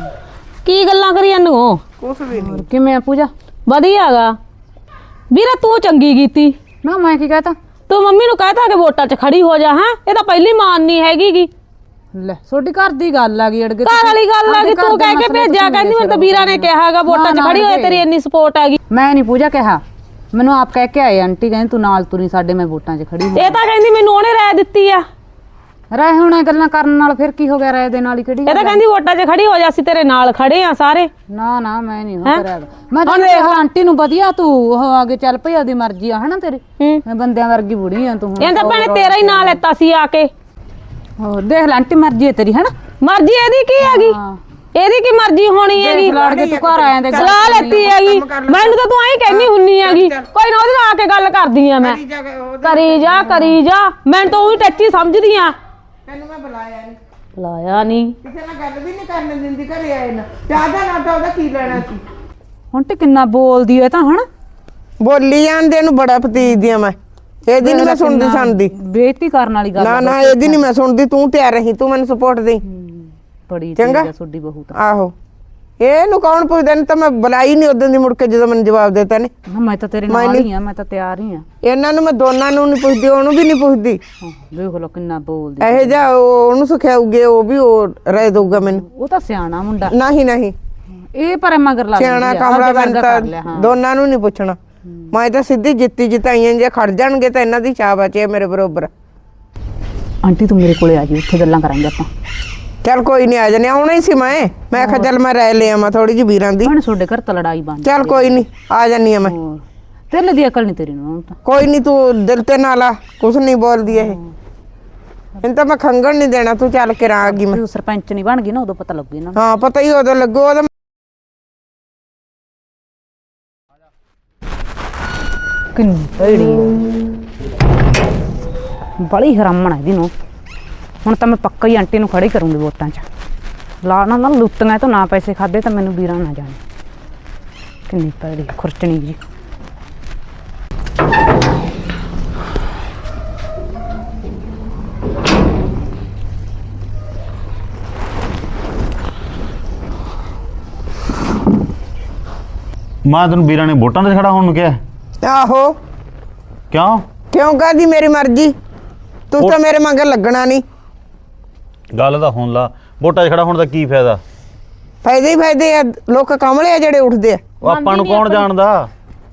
S1: ਕੀ ਗੱਲਾਂ ਕਰੀ ਜਾਂਦੇ ਹੋ?
S2: ਕੁਝ ਵੀ ਨਹੀਂ।
S4: ਕਿਵੇਂ ਆ ਪੂਜਾ?
S1: ਵਧੀਆ ਹੈਗਾ ਵੀਰਾ, ਤੂੰ ਚੰਗੀ ਕੀਤੀ।
S4: ਨਾ ਮੈਂ ਕੀ ਕਹਤਾ?
S1: ਤੂੰ ਮੰਮੀ ਨੂੰ ਕਹਿਤਾ ਕਿ ਵੋਟਾਂ 'ਚ ਖੜੀ ਹੋ ਜਾ। ਹੈ ਇਹ ਤਾਂ ਪਹਿਲੀ ਮਾਨ ਨਹੀਂ ਹੈਗੀ ਗੀ।
S4: ਲੈ ਤੁਹਾਡੀ ਘਰ ਦੀ ਗੱਲ ਆ ਗਈ ਅੜਗੇ।
S1: ਘਰ ਵਾਲੀ ਗੱਲ ਆ ਗਈ, ਤੂੰ ਕਹਿ ਕੇ ਭੇਜਿਆ, ਕਹਿੰਦੀ ਮੈਨੂੰ ਤਾਂ ਵੀਰਾ ਨੇ ਕਿਹਾ ਹੈਗਾ ਵੋਟਾਂ 'ਚ ਖੜੀ ਹੋਏ, ਤੇਰੀ ਇੰਨੀ ਸਪੋਰਟ ਹੈਗੀ।
S4: ਮੈਂ ਨਹੀਂ ਪੂਜਾ ਕਿਹਾ, ਮੈਨੂੰ ਆਪ ਕਹਿ ਕੇ ਆਏ ਆਂਟੀ, ਕਹਿੰਦੀ ਤੂੰ ਨਾਲ ਤੁਰੀ ਸਾਡੇ, ਮੈਂ ਵੋਟਾਂ 'ਚ ਖੜੀ ਹੋ।
S1: ਇਹ ਤਾਂ ਕਹਿੰਦੀ ਮੈਨੂੰ ਉਹਨੇ ਰਾਏ ਦਿੱਤੀ ਆ।
S4: ਰਾਏ ਹੁਣ ਇਹ ਗੱਲਾਂ ਕਰਨ ਨਾਲ ਫਿਰ ਕੀ ਹੋ ਗਿਆ? ਰਾਏ ਦੇ ਨਾਲ ਹੀ ਕਿਹੜੀ
S1: ਇਹ ਤਾਂ ਕਹਿੰਦੀ ਵੋਟਾਂ 'ਚ ਖੜੀ ਹੋ ਜਾ, ਅਸੀਂ ਤੇਰੇ ਨਾਲ ਖੜੇ ਆ ਸਾਰੇ।
S4: ਨਾ ਨਾ ਮੈਂ ਨਹੀਂ ਹੋ ਕਰਿਆ। ਮੈਂ ਤਾਂ ਦੇਖ ਆਂਟੀ ਨੂੰ ਵਧੀਆ, ਤੂੰ ਉਹ ਆਗੇ ਚੱਲ ਭਈ, ਉਹਦੀ ਮਰਜ਼ੀ ਆ ਹਨਾ ਤੇਰੀ। ਮੈਂ ਬੰਦਿਆਂ ਵਰਗੀ ਬੁੜੀ ਆ ਤੂੰ।
S1: ਇਹ ਤਾਂ ਭੈਣੇ ਤੇਰਾ ਹੀ ਨਾਂ ਲੈਤਾ ਸੀ ਆ ਕੇ।
S4: ਹੋਰ ਦੇਖ ਲੈ ਆਂਟੀ, ਮਰਜ਼ੀ ਹੈ ਤੇਰੀ ਹਨਾ।
S1: ਮਰਜ਼ੀ ਇਹਦੀ ਕੀ ਹੈਗੀ? ਇਹਦੀ ਕੀ ਮਰਜ਼ੀ ਹੋਣੀ ਹੈਗੀ?
S4: ਲੜ ਕੇ ਤੂੰ ਘਰ ਆਇਆ ਤੇ
S1: ਸਲਾਹ ਲੈਤੀ ਹੈਗੀ, ਮੈਨੂੰ ਤਾਂ ਤੂੰ ਐਂ ਕਹਿੰਦੀ ਹੁੰਨੀ ਹੈਗੀ। ਕੋਈ ਨਾ ਉਹਦੇ ਨਾਲ ਆ ਕੇ ਗੱਲ ਕਰਦੀ ਆ ਮੈਂ। ਕਰੀ ਜਾ ਕਰੀ ਜਾ, ਮੈਂ ਤਾਂ ਉਹੀ ਟੱਚੀ ਸਮਝਦੀ ਆ।
S2: ਤੈਨੂੰ ਮੈਂ ਬੁਲਾਇਆ ਨਹੀਂ,
S1: ਬੁਲਾਇਆ ਨਹੀਂ,
S2: ਕਿਸੇ ਨਾਲ ਗੱਲ ਵੀ ਨਹੀਂ ਕਰਨ ਦਿੰਦੀ, ਘਰੇ ਆਏ ਨਾ ਜ਼ਿਆਦਾ ਨਾ ਤਾਂ ਉਹਦਾ ਕੀ ਲੈਣਾ ਸੀ।
S4: ਹੁਣ ਤੇ ਕਿੰਨਾ ਬੋਲਦੀ ਐ ਤਾਂ ਹਨਾ।
S2: ਬੋਲੀ ਜਾਂਦੇ ਨੂੰ ਬੜਾ ਫਤੀਜਦੀ ਆ ਮੈਂ, ਇਹਦੀ ਨਹੀਂ ਮੈਂ ਸੁਣਦੀ ਸੁਣਦੀ।
S4: ਬੇਇੱਜ਼ਤੀ ਕਰਨ ਵਾਲੀ ਗੱਲ
S2: ਨਾ ਨਾ ਇਹਦੀ ਨਹੀਂ ਮੈਂ ਸੁਣਦੀ, ਤੂੰ ਤਿਆਰ ਰਹੀ, ਤੂੰ ਮੈਨੂੰ ਸਪੋਰਟ ਦੇ।
S4: ਬੜੀ
S2: ਚੰਗਾ
S4: ਚੰਗਾ ਤੁਹਾਡੀ ਬਹੂ ਤਾਂ।
S2: ਆਹੋ ਇਹਨੂੰ ਕੌਣ ਪੁੱਛਦਾ? ਨਹੀਂ ਤਾਂ ਮੈਂ ਬੁਲਾਈ ਨਹੀਂ ਉਦੋਂ ਦੀ, ਮੁੜ ਕੇ ਜਦੋਂ ਮੈਨੂੰ ਜਵਾਬ ਦਿੱਤਾ ਨੇ।
S4: ਨਾ ਮੈਂ ਤਾਂ ਤੇਰੇ ਨਾਲ ਹੀ ਆ, ਮੈਂ ਤਾਂ ਤਿਆਰ ਹੀ ਆ।
S2: ਇਹਨਾਂ ਨੂੰ ਮੈਂ ਦੋਨਾਂ ਨੂੰ ਨਹੀਂ ਪੁੱਛਦੀ, ਉਹਨੂੰ ਵੀ ਨਹੀਂ ਪੁੱਛਦੀ।
S4: ਦੇਖ ਲੋ ਕਿੰਨਾ ਬੋਲਦੀ।
S2: ਇਹੋ ਜਿਹਾ ਉਹ- ਉਹਨੂੰ ਸਿਖਾਉਗੇ, ਉਹ ਵੀ ਉਹ ਰਹਿ ਦਊਗਾ ਮੈਨੂੰ।
S4: ਉਹ ਤਾਂ ਸਿਆਣਾ ਮੁੰਡਾ।
S2: ਨਹੀਂ ਨਹੀਂ
S4: ਇਹ ਪਰ ਮਗਰ ਲਾ
S2: ਸਿਆਣਾ ਕਮਲਾ ਬੰਦਾ ਤਾਂ ਦੋਨਾਂ ਨੂੰ ਨਹੀਂ ਪੁੱਛਣਾ। ਮੈਂ ਤਾਂ ਸਿੱਧੀ ਜਿੱਤੀ ਜਿਤਾਈਆਂ ਜੇ ਖੜ ਜਾਣਗੇ ਤਾਂ ਇਹਨਾਂ ਦੀ ਚਾਹ ਬਚੇ ਮੇਰੇ ਬਰੋਬਰ।
S4: ਆਂਟੀ ਤੂੰ ਮੇਰੇ ਕੋਲੇ ਆ ਜੀ, ਉੱਥੇ ਗੱਲਾਂ ਕਰਾਂਗੇ ਆਪਾਂ।
S2: ਚੱਲ ਕੋਈ ਨਹੀਂ, ਆ ਜਾਣੇ, ਆਉਣਾ ਹੀ ਸੀ ਮੈਂ। ਮੈਂ ਕਿਹਾ ਚੱਲ ਮੈਂ ਰਹਿ ਲਿਆ ਮੈਂ ਥੋੜੀ ਜਿਹੀ ਵੀਰਾਂ ਦੀ।
S4: ਭੈਣ ਤੁਹਾਡੇ ਘਰ ਤਾਂ ਲੜਾਈ ਬਣ
S2: ਚੱਲ ਕੋਈ ਨਹੀਂ, ਆ ਜਾਨੀ ਆ ਮੈਂ।
S4: ਹੋਰ ਤੇਰੇ ਦੀ ਅਕਲ ਨਹੀਂ ਤੇਰੀ ਨੂੰ ਤਾਂ।
S2: ਕੋਈ ਨਹੀਂ, ਤੂੰ ਦਿਲ ਤੇ ਨਾ ਲਾ, ਕੁਛ ਨਹੀਂ ਬੋਲਦੀ ਇਹ। ਇਹਨੂੰ ਤਾਂ ਮੈਂ ਖੰਗਣ ਨਹੀਂ ਦੇਣਾ, ਤੂੰ ਚੱਲ ਕੇ ਆ ਗਈ ਮੈਂ।
S4: ਤੂੰ ਸਰਪੰਚ ਨਹੀਂ ਬਣ ਗਈ ਨਾ, ਉਦੋਂ ਪਤਾ ਲੱਗੂ ਇਹਨਾਂ ਨੂੰ।
S2: ਹਾਂ ਪਤਾ ਹੀ ਉਦੋਂ ਲੱਗੂ। ਉਹਦਾ
S4: ਕਿੰਨੀ ਭੈੜੀ ਬੜੀ ਹਰਾਮਣ ਹੈ ਇਹਦੀ ਨੂੰ। ਹੁਣ ਤਾਂ ਮੈਂ ਪੱਕਾ ਹੀ ਆਂਟੀ ਨੂੰ ਖੜੀ ਕਰੂੰਗੀ ਵੋਟਾਂ 'ਚ। ਲਾ ਨਾ ਨਾ ਲੁੱਟੀਆਂ ਤੋਂ ਨਾ ਪੈਸੇ ਖਾਦੇ ਤਾਂ ਮੈਨੂੰ ਵੀਰਾਂ ਨਾ ਜਾਣੇ। ਕਿੰਨੀ ਭੈੜੀ ਖੁਰਚਣੀ ਜੀ।
S3: ਮੈਂ ਤੈਨੂੰ ਵੀਰਾਂ ਨੇ ਵੋਟਾਂ 'ਤੇ ਖੜਾ ਹੋਣ ਨੂੰ ਕਿਹਾ।
S2: ਆਹੋ
S3: ਕਿਉਂ?
S2: ਕਿਉਂ ਕਾਹਦੀ ਮੇਰੀ ਮਰਜ਼ੀ, ਤੂੰ ਤਾਂ ਮੇਰੇ ਮਗਰ ਲੱਗਣਾ ਨਹੀਂ।
S3: ਗੱਲ ਤਾਂ ਹੁਣ ਲਾ, ਵੋਟਾਂ 'ਚ ਖੜਾ ਹੋਣ ਦਾ ਕੀ ਫਾਇਦਾ?
S2: ਫਾਇਦੇ ਹੀ ਫਾਇਦੇ ਆ, ਲੋਕ ਕਮਲੇ ਆ ਜਿਹੜੇ ਉੱਠਦੇ ਆ।
S3: ਉਹ ਆਪਾਂ ਨੂੰ ਕੌਣ ਜਾਣਦਾ?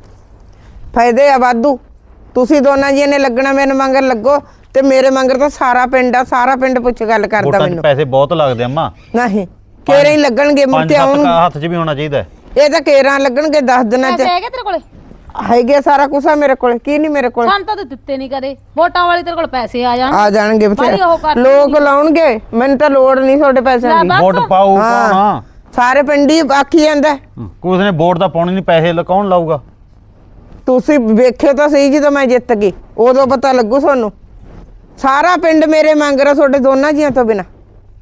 S2: ਫਾਇਦੇ ਆ ਵਾਧੂ। ਤੁਸੀਂ ਦੋਨਾਂ ਜੀਆਂ ਨੇ ਲੱਗਣਾ, ਮੇਰੇ ਮਗਰ ਲੱਗੋ, ਤੇ ਮੇਰੇ ਮਗਰ ਤਾਂ ਸਾਰਾ ਪਿੰਡ ਆ, ਸਾਰਾ ਪਿੰਡ ਪੁੱਛ ਗੱਲ ਕਰਦਾ
S3: ਵੋਟਾਂ 'ਚ
S2: ਮੈਨੂੰ।
S3: ਪੈਸੇ ਬਹੁਤ ਲੱਗਦੇ ਅੰਮਾ।
S2: ਨਹੀਂ ਕੇਰਾਂ ਹੀ ਲੱਗਣਗੇ, ਮੁੜ
S3: ਪੰਜ
S2: ਕੇ
S3: ਸੱਤ
S2: ਆਉਣ।
S3: ਕਾ ਹੱਥ 'ਚ ਵੀ ਹੋਣਾ ਚਾਹੀਦਾ।
S2: ਇਹ ਤਾਂ ਕੇਰਾਂ ਲੱਗਣਗੇ ਦਸ ਦਿਨਾਂ ਚ।
S1: ਹੈਗੇ ਤੇਰੇ ਕੋਲੇ?
S2: ਹੈਗੇ ਸਾਰਾ ਕੁਛ ਆ ਮੇਰੇ ਕੋਲ, ਕੀ ਨਹੀਂ ਮੇਰੇ ਕੋਲ।
S1: ਸਾਨੂੰ ਤਾਂ ਦਿੱਤੇ ਨਹੀਂ ਕਦੇ। ਵੋਟਾਂ ਵਾਲੀ ਤੇਰੇ ਕੋਲ ਪੈਸੇ ਆ ਜਾਣ।
S2: ਆ ਜਾਣਗੇ
S1: ਬਾਹਲੀ ਉਹ ਕਰ
S2: ਬਥੇਰੇ ਲੋਕ ਲਾਉਣਗੇ, ਮੈਨੂੰ ਤਾਂ ਲੋੜ ਨਹੀਂ ਤੁਹਾਡੇ ਪੈਸਿਆਂ ਦੀ।
S1: ਬਸ।
S3: ਵੋਟ ਪਾਉ
S2: ਹਾਂ।
S3: ਕੌਣ ਆ?
S2: ਸਾਰੇ ਪਿੰਡ ਹੀ ਆਖੀ ਜਾਂਦਾ।
S3: ਕੋਈ ਨੇ ਵੋਟ ਤਾਂ ਪਾਉਣੀ ਨਹੀਂ, ਪੈਸੇ ਲ- ਕੌਣ ਲਾਊਗਾ?
S2: ਤੁਸੀਂ ਵੇਖਿਓ ਤਾਂ ਸਹੀ, ਜਦੋਂ ਮੈਂ ਜਿੱਤ ਗਈ ਉਦੋਂ ਪਤਾ ਲੱਗੂ ਤੁਹਾਨੂੰ। ਸਾਰਾ ਪਿੰਡ ਮੇਰੇ ਮੰਗ ਰਿਹਾ ਤੁਹਾਡੇ ਦੋਨਾਂ ਜੀਆਂ ਤੋਂ ਬਿਨਾ।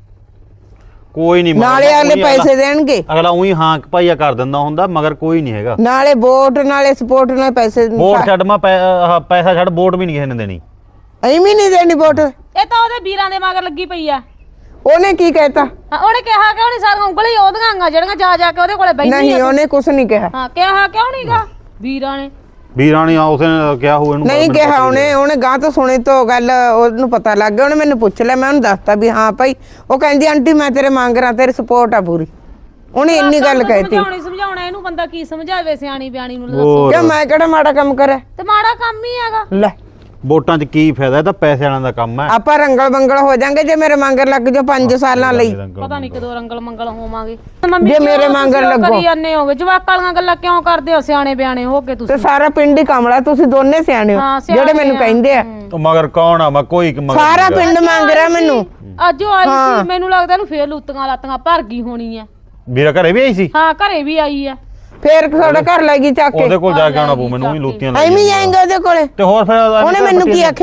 S3: ਕੋਈ ਨਹੀਂ।
S2: ਨਾਲੇ ਅਗਲੇ ਪੈਸੇ ਦੇਣਗੇ,
S3: ਅਗਲਾ ਉਹੀ ਹਾਂ ਭਾਈਆ ਕਰ ਦਿੰਦਾ ਹੁੰਦਾ, ਮਗਰ ਕੋਈ ਨਹੀਂ ਹੈਗਾ।
S2: ਨਾਲੇ ਵੋਟ, ਨਾਲੇ ਸਪੋਰਟ, ਨਾਲ ਪੈਸੇ।
S3: ਵੋਟ ਛੱਡ ਮੈਂ ਪੈ- ਆਹ ਪੈਸਾ ਛੱਡ, ਵੋਟ ਵੀ ਨਹੀਂ ਕਿਸੇ ਨੇ ਦੇਣੀ।
S2: ਐਵੇਂ ਨਹੀਂ ਦੇਣੀ ਵੋਟ।
S1: ਇਹ ਤਾਂ ਉਹਦੇ ਵੀਰਾਂ ਦੇ ਮਗਰ ਲੱਗੀ ਪਈ ਆ।
S2: ਉਹਨੇ ਕੀ ਕਹਿਤਾ?
S1: ਹਾਂ, ਉਹਨੇ ਕਿਹਾ ਕਿ ਉਹਨੇ ਸਾਰੀਆਂ ਉਂਗਲੀ ਉਹਦੀਆਂ ਆਂਗਾ ਜਿਹੜੀਆਂ ਜਾ ਜਾ ਕੇ ਉਹਦੇ ਕੋਲੇ ਬੈਠੀ
S2: ਨਹੀਂ ਉਹਨੇ ਕੁਛ ਨਹੀਂ ਕਿਹਾ।
S1: ਹਾਂ ਕਿਹਾ ਕਿਉਂ ਨਹੀਂਗਾ ਵੀਰਾਂ ਨੇ?
S3: ਵੀਰਾਣੀ ਆ ਉਸਨੇ ਕਿਹਾ ਹੋਊ ਇਹਨੂੰ।
S2: ਨਹੀਂ ਕਿਹਾ ਉਹਨੇ, ਉਹਨੇ ਗਾਂ ਤੋਂ ਸੁਣੀ ਤੋਂ ਗੱਲ ਉਹਨੂੰ ਪਤਾ ਲੱਗ ਗਿਆ। ਉਹਨੇ ਮੈਨੂੰ ਪੁੱਛ ਲਿਆ, ਮੈਂ ਉਹਨੂੰ ਦੱਸਤਾ ਵੀ ਹਾਂ ਭਾਈ। ਉਹ ਕਹਿੰਦੀ ਆਂਟੀ ਮੈਂ ਤੇਰੇ ਮੰਗ ਰਾਂ, ਤੇਰੀ ਸਪੋਰਟ ਆ ਪੂਰੀ। ਉਹਨੇ ਇੰਨੀ ਗੱਲ ਕਹਿਤੀ।
S1: ਸਮਝਾਉਣੀ ਸਮਝਾਉਣਾ ਇਹਨੂੰ ਬੰਦਾ ਕੀ ਸਮਝਾਵੇ ਸਿਆਣੀ ਬਿਆਣੀ ਨੂੰ ਦੱਸੋ।
S3: ਹੋਰ।
S2: ਕਿਉਂ ਮੈਂ ਕਿਹੜਾ ਮਾੜਾ ਕੰਮ ਕਰਿਆ?
S1: ਤੇ ਮਾੜਾ ਕੰਮ ਹੀ ਹੈਗਾ।
S2: ਲੈ
S3: ਵੋਟਾਂ 'ਚ ਕੀ ਫਾਇਦਾ? ਇਹ ਤਾਂ ਪੈਸੇ ਵਾਲਿਆਂ ਦਾ ਕੰਮ ਹੈ।
S2: ਆਪਾਂ ਰੰਗਲ ਬੰਗਲ ਹੋ ਜਾਾਂਗੇ ਜੇ ਮੇਰੇ ਮੰਗਰ ਲੱਗ ਜਾ ਪੰਜ ਸਾਲਾਂ ਲਈ।
S1: ਪਤਾ ਨਹੀਂ ਕਦੋਂ ਰੰਗਲ ਮੰਗਲ ਹੋਵਾਂਗੇ।
S2: ਜੇ ਮੇਰੇ ਮੰਗਰ ਲੱਗੋ।
S1: ਕਰੀ ਜਾਂਦੇ ਹੋਗੇ ਜਵਾਕਾਂ ਵਾਲੀਆਂ ਗੱਲਾਂ ਕਿਉਂ ਕਰਦੇ ਹੋ? ਸਿਆਣੇ ਬਿਆਣੇ ਹੋ ਕੇ
S2: ਤੇ
S1: ਤੁਸੀਂ।
S2: ਸਾਰਾ ਪਿੰਡ ਹੀ ਕਮਲਾ, ਤੁਸੀਂ ਦੋਨੇ ਸਿਆਣੇ ਹੋ
S1: ਹਾਂ, ਸਿਆਣੇ
S2: ਜਿਹੜੇ ਮੈਨੂੰ
S1: ਆ।
S2: ਕਹਿੰਦੇ ਆ।
S3: ਉਹ ਮਗਰ ਕੌਣ ਆ? ਮੈਂ ਕੋਈ ਮਗਰ
S2: ਸਾਰਾ
S3: ਨਹੀਂ
S2: ਪਿੰਡ ਮੰਗ ਰਿਹਾ ਮੈਨੂੰ।
S1: ਅੱਜ ਉਹ ਆਈ ਸੀ, ਮੈਨੂੰ ਲੱਗਦਾ ਇਹਨੂੰ ਫੇਰ ਲੁੱਤੀਆਂ ਲਾਤੀਆਂ ਭਰ ਗਈ ਹੋਣੀ ਆ।
S3: ਹੈਗਾ। ਵੀਰਾ ਘਰੇ ਵੀ ਆਈ ਸੀ?
S1: ਹਾਂ ਘਰੇ ਵੀ ਆਈ ਆ।
S2: ਫੇਰ ਤੁਹਾਡੇ ਘਰ ਲੈ ਗਈ ਚੱਕ ਕੇ।
S3: ਉਹਦੇ ਕੋਲ ਜਾ ਕੇ ਆਉਣਾ ਪਊ ਮੈਨੂੰ ਵੀ ਲੁੱਤੀਆਂ
S2: ਐਵੇਂ ਜਾਏਂਗੇ ਉਹਦੇ ਕੋਲੇ?
S3: ਤੇ ਹੋਰ ਫਿਰ
S2: ਉਹਨੇ ਮੈਨੂੰ ਕੀ ਆਖਿਆ?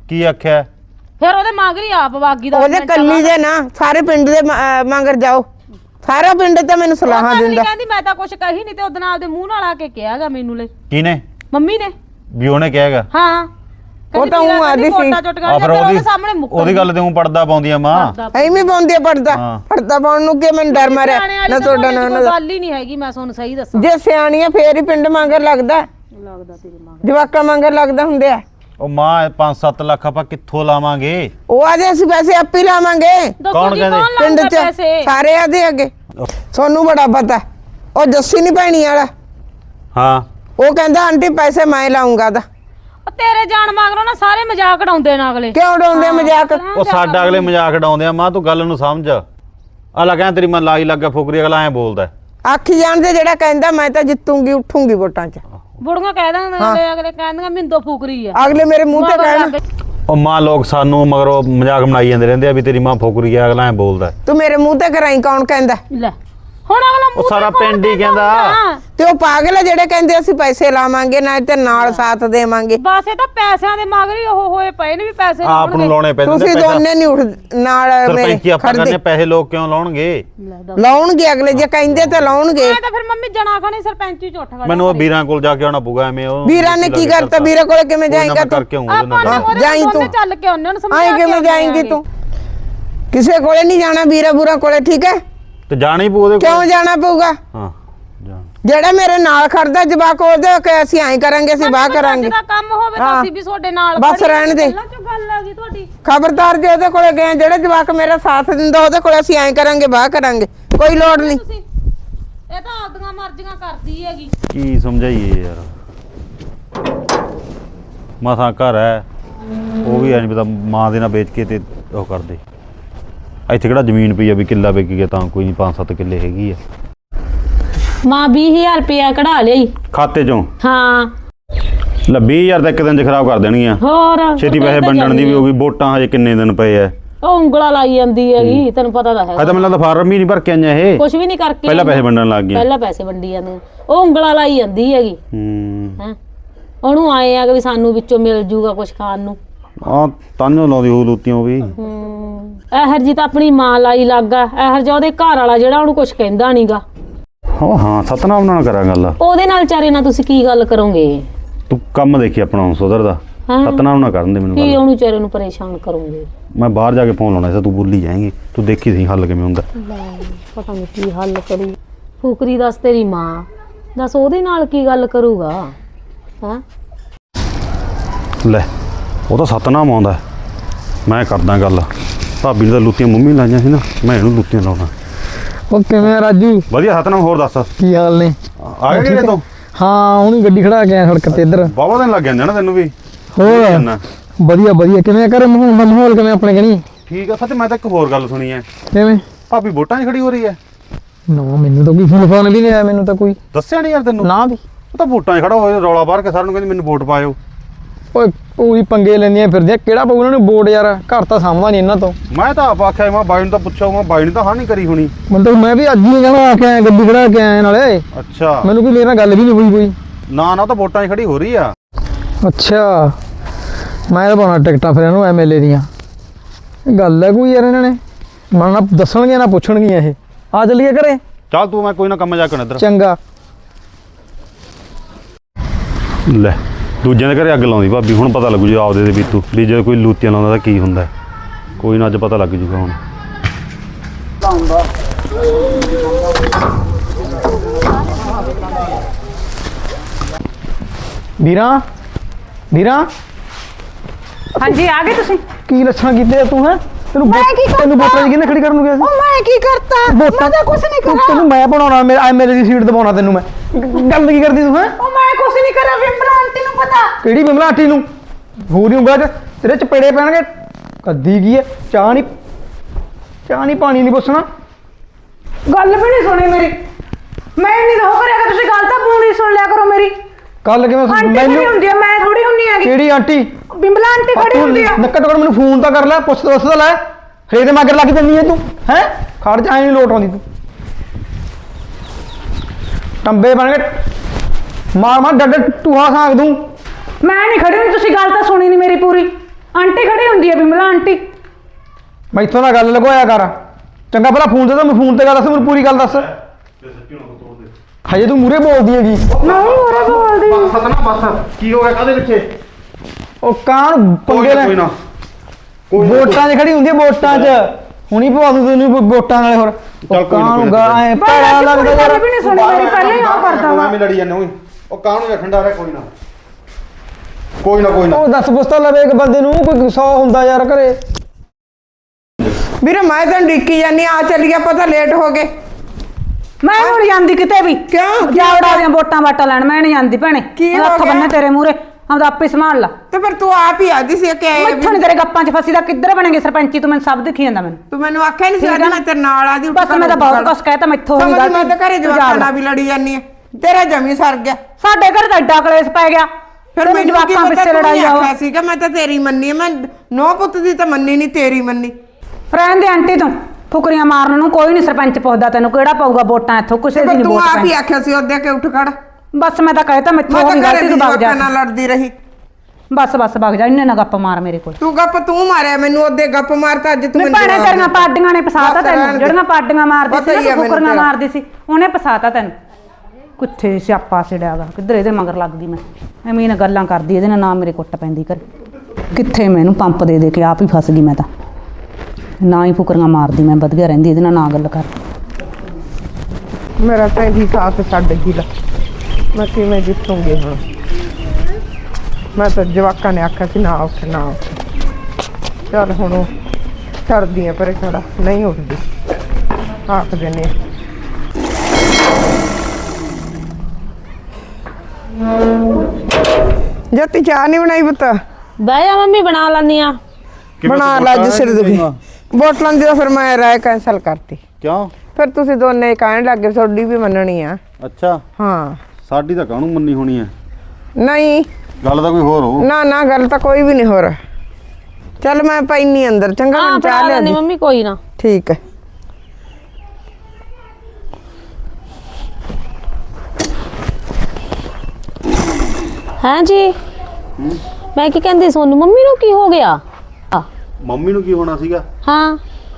S3: ਕੀ ਆਖਿਆ?
S1: ਫਿਰ ਉਹਦੇ ਮਗਰ ਹੀ ਆਪ ਬਾਗੀ ਦਾ
S2: ਉਹਦੇ ਕੱਲੀ ਦੇ ਨਾ ਸਾਰੇ ਪਿੰਡ ਦੇ ਮ- ਅਹ ਮਗਰ ਜਾਓ, ਸਾਰਾ ਪਿੰਡ ਤਾਂ ਮੈਨੂੰ ਸਲਾਹਾਂ ਦਿੰਦਾ।
S1: ਕਹਿੰਦੀ ਮੈਂ ਤਾਂ ਕੁਛ ਕਹੀ ਨਹੀਂ ਤੇ ਉਹਦੇ ਨਾਲ ਦੇ ਮੂੰਹ ਨਾਲ ਆ ਕੇ ਕਿਹਾਗਾ ਮੈਨੂੰ ਲੈ
S3: ਕਿਹਨੇ?
S1: ਮੰਮੀ ਨੇ।
S3: ਵੀ ਉਹਨੇ ਕਿਹਾਗਾ?
S1: ਹਾਂ
S2: ਉਹ ਤਾਂ ਊਂ ਆਦੀ ਸੀ।
S3: ਆ ਫਿਰ ਉਹਦੀ
S1: ਸਾਹਮਣੇ ਮੁੱਕ
S3: ਉਹਦੀ ਗੱਲ ਤੇ ਉਹ ਪੜਦਾ ਪਾਉਂਦੀ ਆ ਮਾਂ।
S2: ਐਵੇਂ ਪਾਉਂਦੀ ਆ ਪੜਦਾ,
S3: ਹਾਂ।
S2: ਪੜਦਾ ਪਾਉਣ ਨੂੰ ਕਿ ਮੈਨੂੰ ਡਰ ਮਾਰਿਆ ਨਾ ਤੁਹਾਡਾ ਨਾ ਉਹਨਾਂ ਦਾ।
S1: ਗੱਲ ਹੀ ਨਹੀਂ ਹੈਗੀ, ਮੈਂ ਤੁਹਾਨੂੰ ਸਹੀ ਦੱਸਾਂ।
S2: ਜੇ ਸਿਆਣੀ ਆ ਫੇਰ ਹੀ ਪਿੰਡ ਮਗਰ ਲੱਗਦਾ,
S1: ਲੱਗਦਾ ਤੇਰੇ ਮਾਂ
S2: ਜਵਾਕਾਂ ਮਗਰ ਲੱਗਦਾ ਹੁੰਦੇ ਆ।
S3: ਉਹ ਮਾਂ ਪੰਜ ਸੱਤ ਲੱਖ ਆਪਾਂ ਕਿੱਥੋਂ ਲਾਵਾਂਗੇ?
S2: ਉਹ ਆਦੇ ਅਸੀਂ ਪੈਸੇ ਆਪੇ ਲਾਵਾਂਗੇ
S1: ਦੱਸੋ
S3: ਕੌਣ
S1: ਜੀ,
S3: ਕਹਿੰਦੇ?
S1: ਕੌਣ
S2: ਪਿੰਡ
S1: ਲਾਉਂਦਾ
S2: ਚ
S1: ਪੈਸੇ?
S2: ਸਾਰੇ ਆਦੇ ਅੱਗੇ ਤੁਹਾਨੂੰ ਬੜਾ ਪਤਾ। ਉਹ ਜੱਸੀ ਨਹੀਂ ਭੈਣੀ ਵਾਲਾ,
S3: ਹਾਂ
S2: ਉਹ ਕਹਿੰਦਾ ਆਂਟੀ ਪੈਸੇ ਮੈਂ ਲਾਉਂਗਾ ਦਾ।
S1: ਉਹ ਤੇਰੇ ਜਾਣ ਮਗਰੋਂ ਨਾ ਸਾਰੇ ਮਜ਼ਾਕ ਉਡਾਉਂਦੇ ਨੇ ਅਗਲੇ।
S2: ਕਿਉਂ ਉਡਾਉਂਦੇ ਮਜ਼ਾਕ?
S3: ਉਹ ਸਾਡਾ ਅਗਲੇ ਮਜ਼ਾਕ ਉਡਾਉਂਦੇ ਆ ਮਾਂ, ਤੂੰ ਗੱਲ ਨੂੰ ਸਮਝ। ਅਲਾ ਕਹਿੰਦਾ ਤੇਰੀ ਮਾਂ ਲਾਈ ਲੱਗਾ ਫੁਕਰੀ, ਅਗਲਾ ਐਂ ਬੋਲਦਾ।
S2: ਆਖੀ ਜਾਣਦੇ ਜਿਹੜਾ ਕਹਿੰਦਾ ਮੈਂ ਤਾਂ ਜਿੱਤੂਗੀ ਉੱਠੂਗੀ ਵੋਟਾਂ 'ਚ।
S1: ਬੁੜੀਆਂ ਕਹਿ ਦਿੰਦੇ ਅਗਲੇ ਅਗਲੇ ਕਹਿੰਦੀਆਂ ਮਿੰਦੋ ਫੁਕਰੀ ਆ।
S2: ਅਗਲੇ ਮੇਰੇ ਮੂੰਹ ਤੇ ਕਹਿਣ
S3: ਉਹ ਮਾਂ ਲੋਕ ਸਾਨੂੰ ਮਗਰੋਂ ਮਜ਼ਾਕ ਬਣਾਈ ਜਾਂਦੇ ਰਹਿੰਦੇ ਆ ਵੀ ਤੇਰੀ ਮਾਂ ਫੁਕਰੀ ਆ, ਅਗਲਾ ਐਂ ਬੋਲਦਾ।
S2: ਤੂੰ ਮੇਰੇ ਮੂੰਹ ਤੇ ਕਰਾਈ, ਕੌਣ ਕਹਿੰਦਾ?
S1: ਲੈ ਹੁਣ ਅਗਲਾ ਮੂੰਹ
S3: ਉਹ ਸਾਰਾ
S1: ਤੇ ਕੌਣ
S3: ਪਿੰਡ ਹੀ ਕਹਿੰਦਾ।
S2: ਤੇ ਉਹ ਪਾਗਲ ਆ ਜਿਹੜੇ ਕਹਿੰਦੇ ਅਸੀਂ ਪੈਸੇ ਲਾਵਾਂਗੇ ਨਾ ਤੇ ਨਾਲ ਸਾਥ ਦੇਵਾਂਗੇ।
S1: ਬਸ ਇਹ ਤਾਂ ਪੈਸਿਆਂ ਦੇ ਮਗਰ ਹੀ ਉਹ ਹੋਏ ਪਏ ਨੇ ਵੀ ਪੈਸੇ
S3: ਆਪ ਨੂੰ ਲਾਉਣੇ ਪੈਂਦੇ
S2: ਤੁਸੀਂ
S3: ਪੈਸਾ।
S2: ਦੋਨੇ ਨਹੀਂ ਉੱਠ ਨਾਲ ਮੇਰੇ
S3: ਸਰਪੰਚੀ ਆਪਾਂ
S2: ਖੜਦੇ।
S3: ਕਰਨੇ, ਪੈਸੇ ਲੋਕ ਕਿਉਂ ਲਾਉਣਗੇ?
S2: ਲਾਉਣਗੇ ਅਗਲੇ, ਜੇ ਕਹਿੰਦੇ ਤਾਂ ਲਾਉਣਗੇ।
S1: ਮੈਂ ਤਾਂ ਫਿਰ ਮੰਮੀ ਜਣਾ ਖਾਣੀ ਸਰਪੰਚੀ ਚ ਉੱਠ ਖੜਾ।
S3: ਮੈਨੂੰ ਉਹ ਵੀਰਾਂ ਕੋਲ ਜਾ ਕੇ ਆਉਣਾ ਪਊਗਾ। ਐਵੇਂ ਉਹ
S2: ਵੀਰਾਂ ਨੇ ਕੀ ਕਰਤਾ? ਵੀਰਾਂ ਕੋਲੇ ਕਿਵੇਂ ਜਾਏਗਾ ਤੂੰ?
S3: ਕਰਕੇ ਆਉਂਗਾ
S1: ਆਪਾਂ ਨੇ ਉਹਦੇ
S2: ਜਾਈਂ
S1: ਨਾਲ
S2: ਤੂੰ।
S1: ਦੋਨੇ ਚੱਲ ਕੇ ਉਹਨਾਂ ਨੂੰ ਸਮਝਾ
S2: ਆਏ
S1: ਕੇ
S2: ਕਿਵੇਂ ਜਾਏਂਗੀ ਤੂੰ? ਕਿਸੇ ਕੋਲੇ ਨਹੀਂ ਜਾਣਾ, ਵੀਰਾ ਬੁਰਾ ਕੋਲੇ, ਠੀਕ ਹੈ?
S3: ਤੇ ਜਾਣਾ ਹੀ ਪਊ ਉਹਦੇ
S2: ਕਿਉਂ
S3: ਕੋਲ।
S2: ਜਾਣਾ ਪਊਗਾ?
S3: ਹਾਂ ਜਾਣ।
S2: ਜਿਹੜਾ ਮੇਰੇ ਨਾਲ ਖੜਦਾ ਜਵਾਕ ਉਹਦੇ ਕਿ ਅਸੀਂ ਐਂ ਕਰਾਂਗੇ, ਅਸੀਂ ਬਾਹ ਕਰਾਂਗੇ।
S1: ਦਾ ਕੰਮ ਹੋਵੇ ਤਾਂ
S2: ਹਾਂ।
S1: ਅਸੀਂ ਵੀ ਤੁਹਾਡੇ ਨਾਲ
S2: ਬਸ
S1: ਖੜੀਏ।
S2: ਰਹਿਣ ਦੇ।
S1: ਪਹਿਲਾਂ ਚੋਂ ਗੱਲ ਆ ਗਈ ਤੁਹਾਡੀ।
S2: ਖਬਰਦਾਰ ਜੇ ਉਹਦੇ ਕੋਲੇ ਗਏ, ਜਿਹੜੇ ਜਵਾਕ ਮੇਰਾ ਸਾਥ ਦਿੰਦਾ ਉਹਦੇ ਕੋਲੇ ਅਸੀਂ ਐਂ ਕਰਾਂਗੇ, ਬਾਹ ਕਰਾਂਗੇ, ਕੋਈ ਲੋੜ ਨਹੀਂ।
S1: ਤੁਸੀਂ ਇਹ ਤਾਂ ਆਪਦੀਆਂ ਮਰਜ਼ੀਆਂ ਕਰਦੀ ਹੈਗੀ।
S3: ਕੀ ਸਮਝਾਈਏ ਯਾਰ, ਮਸਾਂ ਘਰ ਹੈ, ਉਹ ਵੀ ਐ ਨਹੀਂ ਪਤਾ ਮਾਂ ਦੇ ਨਾਲ ਵੇਚ ਕੇ ਤੇ ਉਹ ਕਰਦੇ। ਇੱਥੇ ਕਿਹੜਾ ਜ਼ਮੀਨ ਪਈ ਆ ਵੀ ਕਿੱਲਾ ਵਿਕ ਗਿਆ ਤਾਂ ਕੋਈ ਨਹੀਂ, ਪੰਜ ਸੱਤ ਕਿੱਲੇ ਹੈਗੀ ਆ।
S1: ਮਾਂ ਵੀਹ ਹਜ਼ਾਰ ਰੁਪਇਆ ਕਢਾ ਲਈ
S3: ਖਾਤੇ ਚੋਂ
S1: ਹਾਂ।
S3: ਲੈ ਵੀਹ ਹਜ਼ਾਰ ਤਾਂ ਇੱਕ ਦਿਨ ਚ ਖਰਾਬ ਕਰ ਦੇਣਗੀਆਂ।
S1: ਹੋਰ
S3: ਛੇਤੀ ਪੈਸੇ ਵੰਡਣ ਦੀ ਵੀ ਹੋ ਗਈ, ਵੋਟਾਂ ਹਜੇ ਕਿੰਨੇ ਦਿਨ ਪਏ ਐ।
S1: ਉਹ ਉਂਗਲਾ ਲਾਈ ਜਾਂਦੀ ਹੈਗੀ, ਤੈਨੂੰ ਪਤਾ ਤਾਂ
S3: ਹਜੇ
S1: ਹੈਗਾ।
S3: ਤਾਂ ਮੈਨੂੰ ਲੱਗਦਾ ਫਾਰਮ ਹੀ ਨਹੀਂ ਭਰ ਕੇ ਆਈਆਂ ਇਹ,
S1: ਕੁਝ ਵੀ ਨਹੀਂ ਕਰਕੇ
S3: ਪਹਿਲਾਂ ਪੈਸੇ ਵੰਡਣ ਲੱਗ ਗਈਆਂ।
S1: ਪਹਿਲਾਂ ਪੈਸੇ ਵੰਡੀ ਜਾਂਦੇ ਉਹ ਉਂਗਲਾ ਲਾਈ ਜਾਂਦੀ ਹੈਗੀ।
S3: ਹੂੰ
S1: ਹੈ ਉਹਨੂੰ ਆਏ ਆ ਕਿ ਵੀ ਸਾਨੂੰ ਵਿੱਚੋਂ ਮਿਲ ਜੂਗਾ ਕੁਝ ਖਾਣ ਨੂੰ।
S3: ਆ ਤਾਂਨੋਂ ਲਾਉਂਦੀ ਉਹ ਲੂਤੀਆਂ ਉਹ ਵੀ।
S1: ਹੂੰ ਇਹਰ ਜੀ ਤਾਂ ਆਪਣੀ ਮਾਂ ਲਾਈ ਲੱਗਾ, ਇਹਰ ਜਿਹਾ ਉਹਦੇ ਘਰ ਵਾਲਾ ਜਿਹੜਾ ਉਹਨੂੰ ਕੁਝ ਕਹਿੰਦਾ ਨਹੀਂਗਾ।
S3: ਹਾਂ ਹਾਂ ਸਤਨਾਮ ਨਾਲ ਕਰਾਂ ਗੱਲ।
S1: ਉਹਦੇ ਨਾਲ ਵਿਚਾਰੇ ਨਾਲ ਤੁਸੀਂ ਕੀ ਗੱਲ ਕਰੋਗੇ?
S3: ਤੂੰ ਕੰਮ ਦੇਖੀ ਆਪਣਾ ਹੁਣ ਸੁਧਰਦਾ।
S1: ਹਾਂ।
S3: ਸਤਨਾਮ ਨਾਲ ਕਰਨ ਦੇ ਮੈਨੂੰ
S1: ਕੀ
S3: ਗੱਲ।
S1: ਉਹਨੂੰ ਵਿਚਾਰੇ ਨੂੰ ਪਰੇਸ਼ਾਨ ਕਰੋਗੇ?
S3: ਮੈਂ ਬਾਹਰ ਜਾ ਕੇ ਫੋਨ ਲਾਉਣਾ ਸੀ, ਤੂੰ ਬੋਲੀ ਜਾਏਂਗੀ। ਤੂੰ ਦੇਖੀ ਸਹੀ ਹੱਲ ਕਿਵੇਂ ਹੁੰਦਾ।
S1: ਪਤਾ ਨਹੀਂ ਕੀ ਹੱਲ ਕਰੂ। ਫੁਕਰੀ ਦੱਸ ਤੇਰੀ ਮਾਂ ਦੱਸ ਉਹਦੇ ਨਾਲ ਕੀ ਗੱਲ ਕਰੂਗਾ? ਹਾਂ
S3: ਲੈ ਉਹ ਤਾਂ ਸਤਨਾਮ ਆਉਂਦਾ, ਮੈਂ ਕਰਦਾ ਗੱਲ। ਭਾਬੀ ਨੇ ਤਾਂ ਲੁੱਤੀਆਂ ਮੰਮੀ ਲਾਈਆਂ ਸੀ ਨਾ, ਮੈਂ ਇਹਨੂੰ ਲੁੱਤੀਆਂ ਲਾਉਣਾ।
S5: ਉਹ ਕਿਵੇਂ ਆ ਰਾਜੂ?
S3: ਵਧੀਆ ਸਤਨਾਮ, ਹੋਰ ਦੱਸ
S5: ਕੀ ਹਾਲ ਨੇ?
S3: ਆ ਗਿਆ ਕਿਤੇ ਤੋਂ?
S5: ਹਾਂ ਉਹਨੂੰ ਗੱਡੀ ਖੜਾ ਕੇ ਆਇਆ ਸੜਕ ਤੇ ਇੱਧਰ।
S3: ਬਾਬਾ ਦਿਨ ਲੱਗ ਜਾਂਦੇ ਨਾ ਤੈਨੂੰ ਵੀ।
S5: ਹੋਰ
S3: ਜਾਨਾ।
S5: ਵਧੀਆ ਵਧੀਆ। ਕਿਵੇਂ ਕਰ ਮਾਹੌਲ ਦਾ ਮਾਹੌਲ ਕਿਵੇਂ ਆਪਣੇ ਕਣੀ?
S3: ਠੀਕ ਆ ਸੱਚ, ਮੈਂ ਤਾਂ ਇੱਕ ਹੋਰ ਗੱਲ ਸੁਣੀ ਐ।
S5: ਕਿਵੇਂ?
S3: ਭਾਬੀ ਵੋਟਾਂ 'ਚ ਖੜੀ ਹੋ ਰਹੀ ਐ।
S5: ਨਾ ਮੈਨੂੰ ਤਾਂ ਕੋਈ ਫੋਨ ਫੋਨ ਵੀ ਨਹੀਂ ਆਇਆ, ਮੈਨੂੰ ਤਾਂ ਕੋਈ
S3: ਦੱਸਿਆ ਨਹੀਂ ਯਾਰ ਤੈਨੂੰ?
S5: ਨਾ ਵੀ।
S3: ਉਹ ਤਾਂ ਵੋਟਾਂ 'ਚ ਖੜਾ ਹੋਇਆ, ਰੌਲਾ ਬਾਹਰ ਕੇ ਸਾਰਿਆਂ ਨੂੰ ਕਹਿੰਦੀ ਮੈਨੂੰ ਵੋਟ ਪਾਇਓ।
S5: ਓਏ ਪੂਰੀ ਪੰਗੇ ਲੈਂਦੀਆਂ ਫਿਰਦੀਆਂ, ਕਿਹੜਾ ਪਊ ਉਹਨਾਂ ਨੂੰ ਬੋਰਡ ਯਾਰ, ਘਰ ਤਾਂ ਸਾਂਭਦਾ ਨਹੀਂ ਇਹਨਾਂ ਤੋਂ।
S3: ਮੈਂ ਤਾਂ ਆਪ ਆਖਿਆ ਮੈਂ ਬਾਈ ਨੂੰ ਤਾਂ ਪੁੱਛਿਆ, ਮੈਂ ਬਾਈ ਨੇ ਤਾਂ ਹਾਂ ਨਹੀਂ ਕਰੀ ਹੋਣੀ।
S5: ਮਤਲਬ ਮੈਂ ਵੀ ਅੱਜ ਹੀ ਕਹਿਣਾ ਆ ਕੇ ਆਇਆ, ਗੱਡੀ ਖੜਾ ਕੇ ਆਇਆ ਨਾਲੇ।
S3: ਅੱਛਾ
S5: ਮੈਨੂੰ ਕੋਈ ਮੇਰੇ ਨਾਲ ਗੱਲ ਵੀ ਨਹੀਂ ਹੋਈ ਕੋਈ।
S3: ਨਾ ਨਾ, ਉਹ ਤਾਂ ਵੋਟਾਂ 'ਚ ਖੜੀ ਹੋ ਰਹੀ ਆ।
S5: ਅੱਛਾ ਮੈਂ ਤਾਂ ਪਾਉਣਾ ਟਿਕਟਾਂ ਫਿਰ ਇਹਨੂੰ ਐਮ ਐਲ ਏ ਦੀਆਂ। ਗੱਲ ਹੈ ਕੋਈ ਯਾਰ, ਇਹਨਾਂ ਨੇ ਮਨ ਨਾ ਦੱਸਣਗੇ ਨਾ ਪੁੱਛਣਗੀਆਂ ਇਹ। ਆ ਚੱਲੀਏ ਘਰੇ।
S3: ਚੱਲ ਤੂੰ, ਮੈਂ ਕੋਈ ਨਾ ਕੰਮ ਜਾ ਕੇ ਇੱਧਰ।
S5: ਚੰਗਾ।
S3: ਲੈ ਦੂਜਿਆਂ ਦੇ ਘਰੇ ਅੱਗ ਲਾਉਂਦੀ ਭਾਬੀ, ਹੁਣ ਪਤਾ ਲੱਗੂ ਜੀ ਆਪਦੇ ਦੇ ਬੀਤੂ ਵੀ ਜੇ ਕੋਈ ਲੂਤੀਆਂ ਲਾਉਂਦਾ ਤਾਂ ਕੀ ਹੁੰਦਾ। ਕੋਈ ਨਾ ਅੱਜ ਪਤਾ ਲੱਗ ਜੂਗਾ ਹੁਣ।
S5: ਵੀਰਾਂ ਵੀਰਾਂ
S4: ਹਾਂਜੀ ਆ ਗਏ ਤੁਸੀਂ?
S5: ਕੀ ਲੱਛਣ ਕੀਤੇ ਆ ਤੂੰ? ਹੈ ਤੈਨੂੰ
S2: ਮੈਂ
S5: ਵੋਟ-
S2: ਕੀ ਕਰਤਾ?
S5: ਤੈਨੂੰ ਵੋਟਾਂ 'ਚ ਕਿਹਨੇ ਖੜੀ ਕਰਨ ਨੂੰ ਗਿਆ ਸੀ?
S2: ਉਹ ਮੈਂ ਕੀ ਕਰਤਾ? ਮੈਂ ਤਾਂ ਕੁਛ ਨਹੀਂ
S5: ਤੂੰ-
S2: ਕਰਿਆ।
S5: ਤੈਨੂੰ ਮੈਂ ਬਣਾਉਣਾ, ਮੇਰੇ ਐਮਐਲਏ ਦੀ ਸੀਟ ਦਬਾਉਣਾ ਤੈਨੂੰ ਮੈਂ। ਗ- ਗੱਲ ਕੀ ਕਰਦੀ ਤੂੰ? ਹੈ
S2: ਉਹ ਮੈਂ ਕੁਛ ਨਹੀਂ ਕਰਿਆ, ਵਿਮਲਾ ਆਂਟੀ ਨੂੰ ਪਤਾ।
S5: ਕਿਹੜੀ ਬਿਮਲਾ ਆਂਟੀ ਨੂੰ? ਹੋਰੀ ਉਂਗਲਾਂ 'ਚ ਤੇਰੇ ਚਪੇੜੇ ਪੈਣਗੇ। ਕੱਦੀ ਕੀ ਹੈ? ਚਾਹ ਨਹੀਂ ਚਾਹ ਨਹੀਂ ਪਾਣੀ ਨਹੀਂ ਪੁੱਛਣਾ।
S2: ਗੱਲ ਵੀ ਨਹੀਂ ਸੁਣੀ ਮੇਰੀ। ਮੈਂ ਨਹੀਂ ਦੋ ਕਰਿਆ ਕਿ ਤੁਸੀਂ ਗੱਲ ਤਾਂ ਪੂਰੀ ਸੁਣ ਲਿਆ ਕਰੋ ਮੇਰੀ।
S5: ਕੱਲ ਕਿਵੇਂ ਸੁਣ-
S2: ਆਂਟੀ ਖੜੀ ਹੁੰਦੀ ਆ, ਮੈਂ ਥੋੜੀ ਹੁੰਨੀ ਹੈਗੀ।
S5: ਕਿਹੜੀ ਆਂਟੀ?
S2: ਬਿਮਲਾ ਆਂਟੀ ਖੜੀ ਹੁੰਦੀ ਆ।
S5: ਨੱਕਾ ਟੋਕਰ ਮੈਨੂੰ ਫੋਨ ਤਾਂ ਕਰ ਲੈ, ਪੁੱਛ ਦੱਸ ਤਾਂ ਲੈ। ਫੇਰ ਤੇ ਮਗਰ ਲੱਗ ਜੰਨੀ ਹੈ ਤੂੰ। ਹੈ ਖੜ ਜਾ, ਐਂ ਨਹੀਂ ਲੋਟ ਆਉਂਦੀ ਤੂੰ। ਟੰਬੇ ਬਣ ਗਏ, ਮਾਰ ਮਾਰ ਡੱਡ ਟੂਹਾ ਸਾਂਗ ਦੂੰ।
S2: ਮੈਂ ਨਹੀਂ ਖੜੀ ਹੁੰਦੀ, ਤੁਸੀਂ ਗੱਲ ਤਾਂ ਸੁਣੀ ਨਹੀਂ ਮੇਰੀ ਪੂਰੀ।
S4: ਆਂਟੀ ਖੜੀ ਹੁੰਦੀ ਹੈ ਬਿਮਲਾ ਆਂਟੀ।
S5: ਮੈਥੋਂ ਨਾ ਗੱਲ ਲਗਵਾਇਆ ਕਰ ਚੰਗਾ, ਪਹਿਲਾਂ ਫੋਨ ਤੇ ਤਾਂ ਮੈਂ ਫੋਨ ਤੇ ਗੱਲ ਦੱਸ, ਮੈਨੂੰ ਪੂਰੀ ਗੱਲ ਦੱਸ। ਹਜੇ ਤੂੰ ਮੂਰੇ ਬੋਲਦੀ ਹੈਗੀ।
S4: ਨਹੀਂ ਮੋਰੇ ਬੋਲਦੀ।
S3: ਬਸ ਨਾ ਬਸ, ਕੀ ਹੋ ਗਿਆ ਕਾਹਦੇ ਪਿੱਛੇ?
S5: ਉਹ ਕਾਂ ਪੰਗੇ ਲੈ,
S3: ਕੋਈ ਨਾ
S5: ਵੋਟਾਂ 'ਚ ਖੜੀ ਹੁੰਦੀ ਹੈ, ਵੋਟਾਂ 'ਚ ਹੁਣੀ ਪਵਾ ਦੂੰ ਤੈਨੂੰ ਵੋ- ਵੋਟਾਂ ਨਾਲੇ ਹੋਰ।
S3: ਚੱਲ ਕੋਈ ਨਾ,
S5: ਕਾਂ
S3: ਕੋਈ
S5: ਨੂੰ
S3: ਨਾ,
S5: ਗਾ ਐ ਭੈੜਾ ਲੱਗਦਾ ਯਾਰ।
S4: ਵੀ ਨਹੀਂ ਸੁਣੀ ਮੇਰੀ, ਪਹਿਲੇ ਹੀ ਉਹ ਕਰਦਾ ਵਾ।
S3: ਮੈਂ ਲੜੀ ਜਾਂਦਾ ਓਏ, ਉਹ ਕਾਹਨੂੰ ਵੇਖਣ ਦਾ ਰਿਹਾ? ਕੋਈ ਨਾ ਕੋਈ ਨਾ ਕੋਈ ਨਾ।
S5: ਉਹ ਦੱਸ ਪੁੱਛਤਾ ਲਵੇ ਇੱਕ ਬੰਦੇ ਨੂੰ, ਕੋਈ ਸੌ ਹੁੰਦਾ ਯਾਰ ਘਰੇ।
S2: ਵੀਰੇ ਮੈਂ ਤਾਂ ਡਿੱਕੀ ਜਾਨੀ ਆ, ਚੱਲ ਗਿਆ ਪਤਾ ਲੇਟ ਹੋ ਗਏ।
S4: ਮੈਂ ਹੁਣ ਜਾਂਦੀ ਕਿਤੇ ਵੀ।
S2: ਕਿਉਂ?
S4: ਜਾਵੜਾ ਦੀਆਂ ਵੋਟਾਂ ਵਾਟਾਂ ਲੈਣ ਮੈਂ ਨਹੀਂ ਜਾਂਦੀ ਭੈਣੇ।
S2: ਕੀ ਹੋ
S4: ਹੱਥ
S2: ਗਿਆ?
S4: ਬੰਨੇ ਤੇਰੇ ਮੂਰੇ, ਆਪਦਾ ਆਪੇ ਸੰਭਾਲ ਲਾ।
S2: ਤੇ ਫਿਰ ਤੂੰ ਆਪ ਹੀ ਆਦੀ ਸੀ ਕਿ
S4: ਮੈਥੋਂ ਨੀ ਤੇਰੇ ਗੱਪਾਂ 'ਚ ਫਸੀ ਦਾ, ਕਿੱਧਰ ਬਣੇਗੇ ਸਰਪੰਚੀ? ਤੂੰ ਮੈਨੂੰ ਸਭ ਦਿਖੀ ਜਾਂਦਾ ਮੈਨੂੰ।
S2: ਤੂੰ ਮੈਨੂੰ ਆਖਿਆ ਨਹੀਂ ਸੀ
S4: ਠੀਕ
S2: ਅੱਜ
S4: ਆ
S2: ਮੈਂ ਤੇਰੇ ਨਾਲ ਆਦੀ।
S4: ਬਸ ਮੈਂ ਤਾਂ ਬਹੁਤ ਕੁਛ ਕਹਿਤਾ, ਮੈਥੋਂ
S2: ਸਮਝ
S4: ਹੋਊਗਾ।
S2: ਮੈਂ ਤਾਂ ਘਰੇ ਜਵਾਕਾਂ ਨਾਲ ਵੀ ਲੜੀ ਜਾਨੀ ਆ, ਤੇਰਾ ਜਮੀ ਸਰ ਗਿਆ।
S4: ਸਾਡੇ ਘਰ ਤਾਂ ਐਡਾ ਕਲੇਸ਼ ਪੈ ਗਿਆ,
S2: ਫਿਰ
S4: ਤੈਨੂੰ
S2: ਮੈਨੂੰ ਕੀ
S4: ਜਵਾਕਾਂ
S2: ਪਤਾ
S4: ਪਿੱਛੇ
S2: ਤੂੰ
S4: ਲੜਾਈ ਆਓ।
S2: ਆਖਿਆ ਸੀਗਾ ਮੈਂ ਤਾਂ ਤੇਰੀ ਮੰਨੀ ਆ, ਮੈਂ ਨੌ ਪੁੱਤ ਦੀ ਤਾਂ ਮੰਨੀ ਨਹੀਂ, ਤੇਰੀ ਮੰਨੀ।
S4: ਰਹਿਣ ਦੇ ਆਂਟੀ ਤੂੰ ਫੁਕਰੀਆਂ ਮਾਰਨ ਨੂੰ, ਕੋਈ ਨਹੀਂ ਸਰਪੰਚ ਪੁੱਛਦਾ ਤੈਨੂੰ ਕਿਹੜਾ ਪਾਊਗਾ ਵੋਟਾਂ ਇੱਥੋਂ, ਕਿਸੇ ਦੀ
S2: ਪਰ
S4: ਨਹੀਂ
S2: ਤੂੰ
S4: ਵੋਟ
S2: ਆਪ ਹੀ
S4: ਪੈਣੀ।
S2: ਆਖਿਆ ਸੀ ਉਹਦੇ ਕੇ ਉੱਠ ਖੜ।
S4: ਬਸ ਮੈਂ ਤਾਂ ਕਹਿਤਾ ਮੈਥੋਂ
S2: ਮੈਂ
S4: ਹੋ
S2: ਤਾਂ
S4: ਗਈ
S2: ਘਰੇ
S4: ਗਲਤੀ,
S2: ਵੀ
S4: ਤੂੰ ਵਗ ਜਾ।
S2: ਜਵਾਕਾਂ ਨਾਲ ਲੜਦੀ ਰਹੀ।
S4: ਬਸ ਬਸ ਵਗ ਜਾ, ਇੰਨੇ ਨਾ ਗੱਪ ਮਾਰ ਮੇਰੇ ਕੋਲ।
S2: ਤੂੰ ਗੱਪ ਤੂੰ ਮਾਰਿਆ ਮੈਨੂੰ, ਉਹਦੇ ਗੱਪ ਮਾਰਤਾ ਅੱਜ ਤੂੰ
S4: ਮੈਂ
S2: ਮੈਨੂੰ
S4: ਭੈਣੇ
S2: ਜਵਾਬ
S4: ਤੇਰੀਆਂ
S2: ਦੇ।
S4: ਪਾਡੀਆਂ ਨੇ ਫਸਾਤਾ
S2: ਬਸ ਰਹਿਣ
S4: ਤੈਨੂੰ,
S2: ਦੇ।
S4: ਜਿਹੜੀਆਂ ਪਾਡੀਆਂ ਮਾਰਦੀ
S2: ਪਤਾ
S4: ਸੀ
S2: ਹੀ ਆ
S4: ਨਾ,
S2: ਮੈਨੂੰ
S4: ਫੁਕਰੀਆਂ
S2: ਤੇਰਾ।
S4: ਮਾਰਦੀ ਸੀ, ਉਹਨੇ ਫਸਾਤਾ ਤੈਨੂੰ। ਕਿੱਥੇ ਸਿਆਪਾ ਛਿੜਿਆਗਾ, ਕਿੱਧਰ ਇਹਦੇ ਮਗਰ ਲੱਗਦੀ ਮੈਂ। ਐਵੇਂ ਨਾ ਗੱਲਾਂ ਕਰਦੀ, ਇਹਦੇ ਨਾਲ ਨਾ ਮੇਰੇ ਕੁੱਟ ਪੈਂਦੀ ਘਰੇ। ਕਿੱਥੇ ਮੈਨੂੰ ਪੰਪ ਦੇ ਦੇ ਕੇ ਆਪ ਹੀ ਫਸ ਗਈ ਮੈਂ ਤਾਂ। ਨਾ ਹੀ ਫੁਕਰੀਆਂ ਮਾਰਦੀ ਮੈਂ, ਵਧੀਆ ਰਹਿੰਦੀ ਇਹਦੇ ਨਾਲ, ਨਾ ਗੱਲ ਕਰ।
S2: ਮੇਰਾ ਤਾਂ ਇਹੀ ਸਾਥ ਛੱਡ ਗਈ ਲਾ, ਮੈਂ ਕਿਵੇਂ ਜਿੱਤੂੰਗੀ ਹੁਣ। ਮੈਂ ਤਾਂ ਜਵਾਕਾਂ ਨੇ ਆਖਿਆ ਸੀ ਨਾ ਉੱਠ ਨਾ ਉੱਠ, ਚੱਲ ਹੁਣ ਉਹ ਛੱਡਦੀ ਆ ਪਰੇ ਖੜਾ, ਨਹੀਂ ਉੱਠਦੀ ਆਖ ਦਿੰਦੇ ਜੱਤੀ ਚਾਹ ਨਹੀਂ ਬਣਾਈ ਪੁੱਤ?
S1: ਬਹਿ ਜਾ ਮੰਮੀ, ਬਣਾ ਲੈਂਦੀ ਆ।
S2: ਬਣਾ ਲਾ ਅੱਜ ਸਿਰ ਦੁਖੀ। ਬੋਟਲਾਂ ਦੀ ਤਾਂ ਫਿਰ ਮੈਂ ਰਾਏ ਕੈਂਸਲ ਕਰਤੀ।
S3: ਕਿਉਂ?
S2: ਫਿਰ ਤੁਸੀਂ ਦੋਨੇ ਕਹਿਣ ਲੱਗੇ ਤੁਹਾਡੀ ਵੀ ਮੰਨਣੀ ਆ।
S3: ਅੱਛਾ,
S2: ਹਾਂ
S3: ਸਾਡੀ ਤਾਂ ਕਾਹਨੂੰ ਮੰਨੀ ਹੋਣੀ ਹੈ,
S2: ਨਹੀਂ
S3: ਗੱਲ ਤਾਂ ਕੋਈ ਹੋਰ ਹੋ।
S2: ਨਾ ਨਾ ਗੱਲ ਤਾਂ ਕੋਈ ਵੀ ਨਹੀਂ ਹੋ ਰਿਹਾ। ਚੱਲ ਮੈਂ ਪੈਣੀ ਅੰਦਰ, ਚੰਗਾ
S1: ਹਾਂ
S2: ਮੈਂ ਚਾਹ
S1: ਬਣਾ
S2: ਲਿਆ
S1: ਲੈਂਦੀ ਮੰਮੀ, ਕੋਈ ਨਾ।
S2: ਠੀਕ ਹੈ।
S1: ਹਾਂ ਜੀ, ਮੈਂ ਕੀ ਕਹਿੰਦੀ ਸੋਨੂੰ, ਮੰਮੀ ਨੂੰ ਕੀ ਹੋ ਗਿਆ? ਆ,
S3: ਮੰਮੀ ਨੂੰ ਕੀ ਹੋਣਾ ਸੀਗਾ?
S1: ਹਾਂ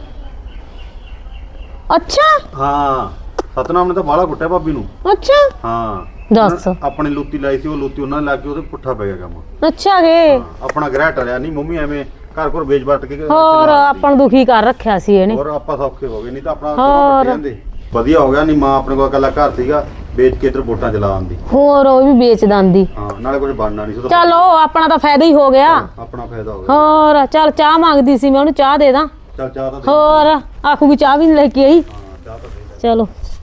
S1: ਅੱਛਾ
S3: ਹਾਂ, ਸਤਨਾਮ ਨੇ ਤਾਂ ਬਾਹਲਾ ਕੁੱਟਿਆ ਭਾਬੀ ਨੂੰ।
S1: ਅੱਛਾ
S3: ਹਾਂ
S1: ਦੱਸ।
S3: ਉਹਨਾਂ- ਆਪਣੇ ਲੁੱਤੀ ਲਾਈ ਸੀ, ਉਹ ਲੁੱਤੀ ਉਹਨਾਂ ਨੇ ਲਾ ਕੇ ਉਹਦੇ ਪੁੱਠਾ ਪੈ ਗਿਆ ਕੰਮ।
S1: ਅੱਛਾ ਗੇ,
S3: ਆਪਣਾ ਗ੍ਰਹਿ ਟਲਿਆ ਨਹੀਂ, ਮੰਮੀ ਐਵੇਂ ਘਰ ਘਰ ਵੇਚ ਵਟ ਕੇ
S1: ਹੋਰ ਆਪਾਂ ਨੂੰ ਦੁਖੀ ਕਰ ਰੱਖਿਆ ਸੀ ਇਹਨੇ।
S3: ਹੋਰ ਆਪਾਂ ਸੌਖੇ ਹੋ ਗਏ, ਨਹੀਂ ਤਾਂ ਆਪਣਾ
S1: ਹੋਰ।
S3: ਪੱਟੇ ਜਾਂਦੇ। ਵਧੀਆ ਹੋ ਗਿਆ, ਨਹੀਂ ਮਾਂ ਆਪਣੇ ਕੋਲ ਇਕੱਲਾ ਘਰ ਸੀਗਾ, ਵੇਚ ਕੇ ਇੱਧਰ ਵੋਟਾਂ ਚਲਾ ਆਂਦੀ।
S1: ਹੋਰ ਉਹ ਵੀ ਵੇਚ ਦਿੰਦੀ।
S3: ਹਾਂ, ਨਾਲੇ ਕੁਝ ਬਣਨਾ ਨਹੀਂ ਸੀ।
S1: ਚਲੋ ਆਪਣਾ ਤਾਂ ਫਾਇਦਾ ਹੀ ਹੋ ਗਿਆ।
S3: ਆਪਣਾ ਫਾਇਦਾ ਹੋ ਗਿਆ।
S1: ਹੋਰ ਚੱਲ ਚਾਹ ਮੰਗਦੀ ਸੀ, ਮੈਂ ਉਹਨੂੰ ਚਾਹ ਦੇ ਦਾਂ।
S3: ਚੱਲ ਚਾਹ ਤਾਂ ਦੇ।
S1: ਹੋਰ ਆਖੂਗੀ ਚਾਹ ਵੀ ਨਹੀਂ ਲੈ ਕੇ ਆਈ।
S3: ਹਾਂ, ਚਾਹ ਤਾਂ ਦੇ।
S1: ਚਲੋ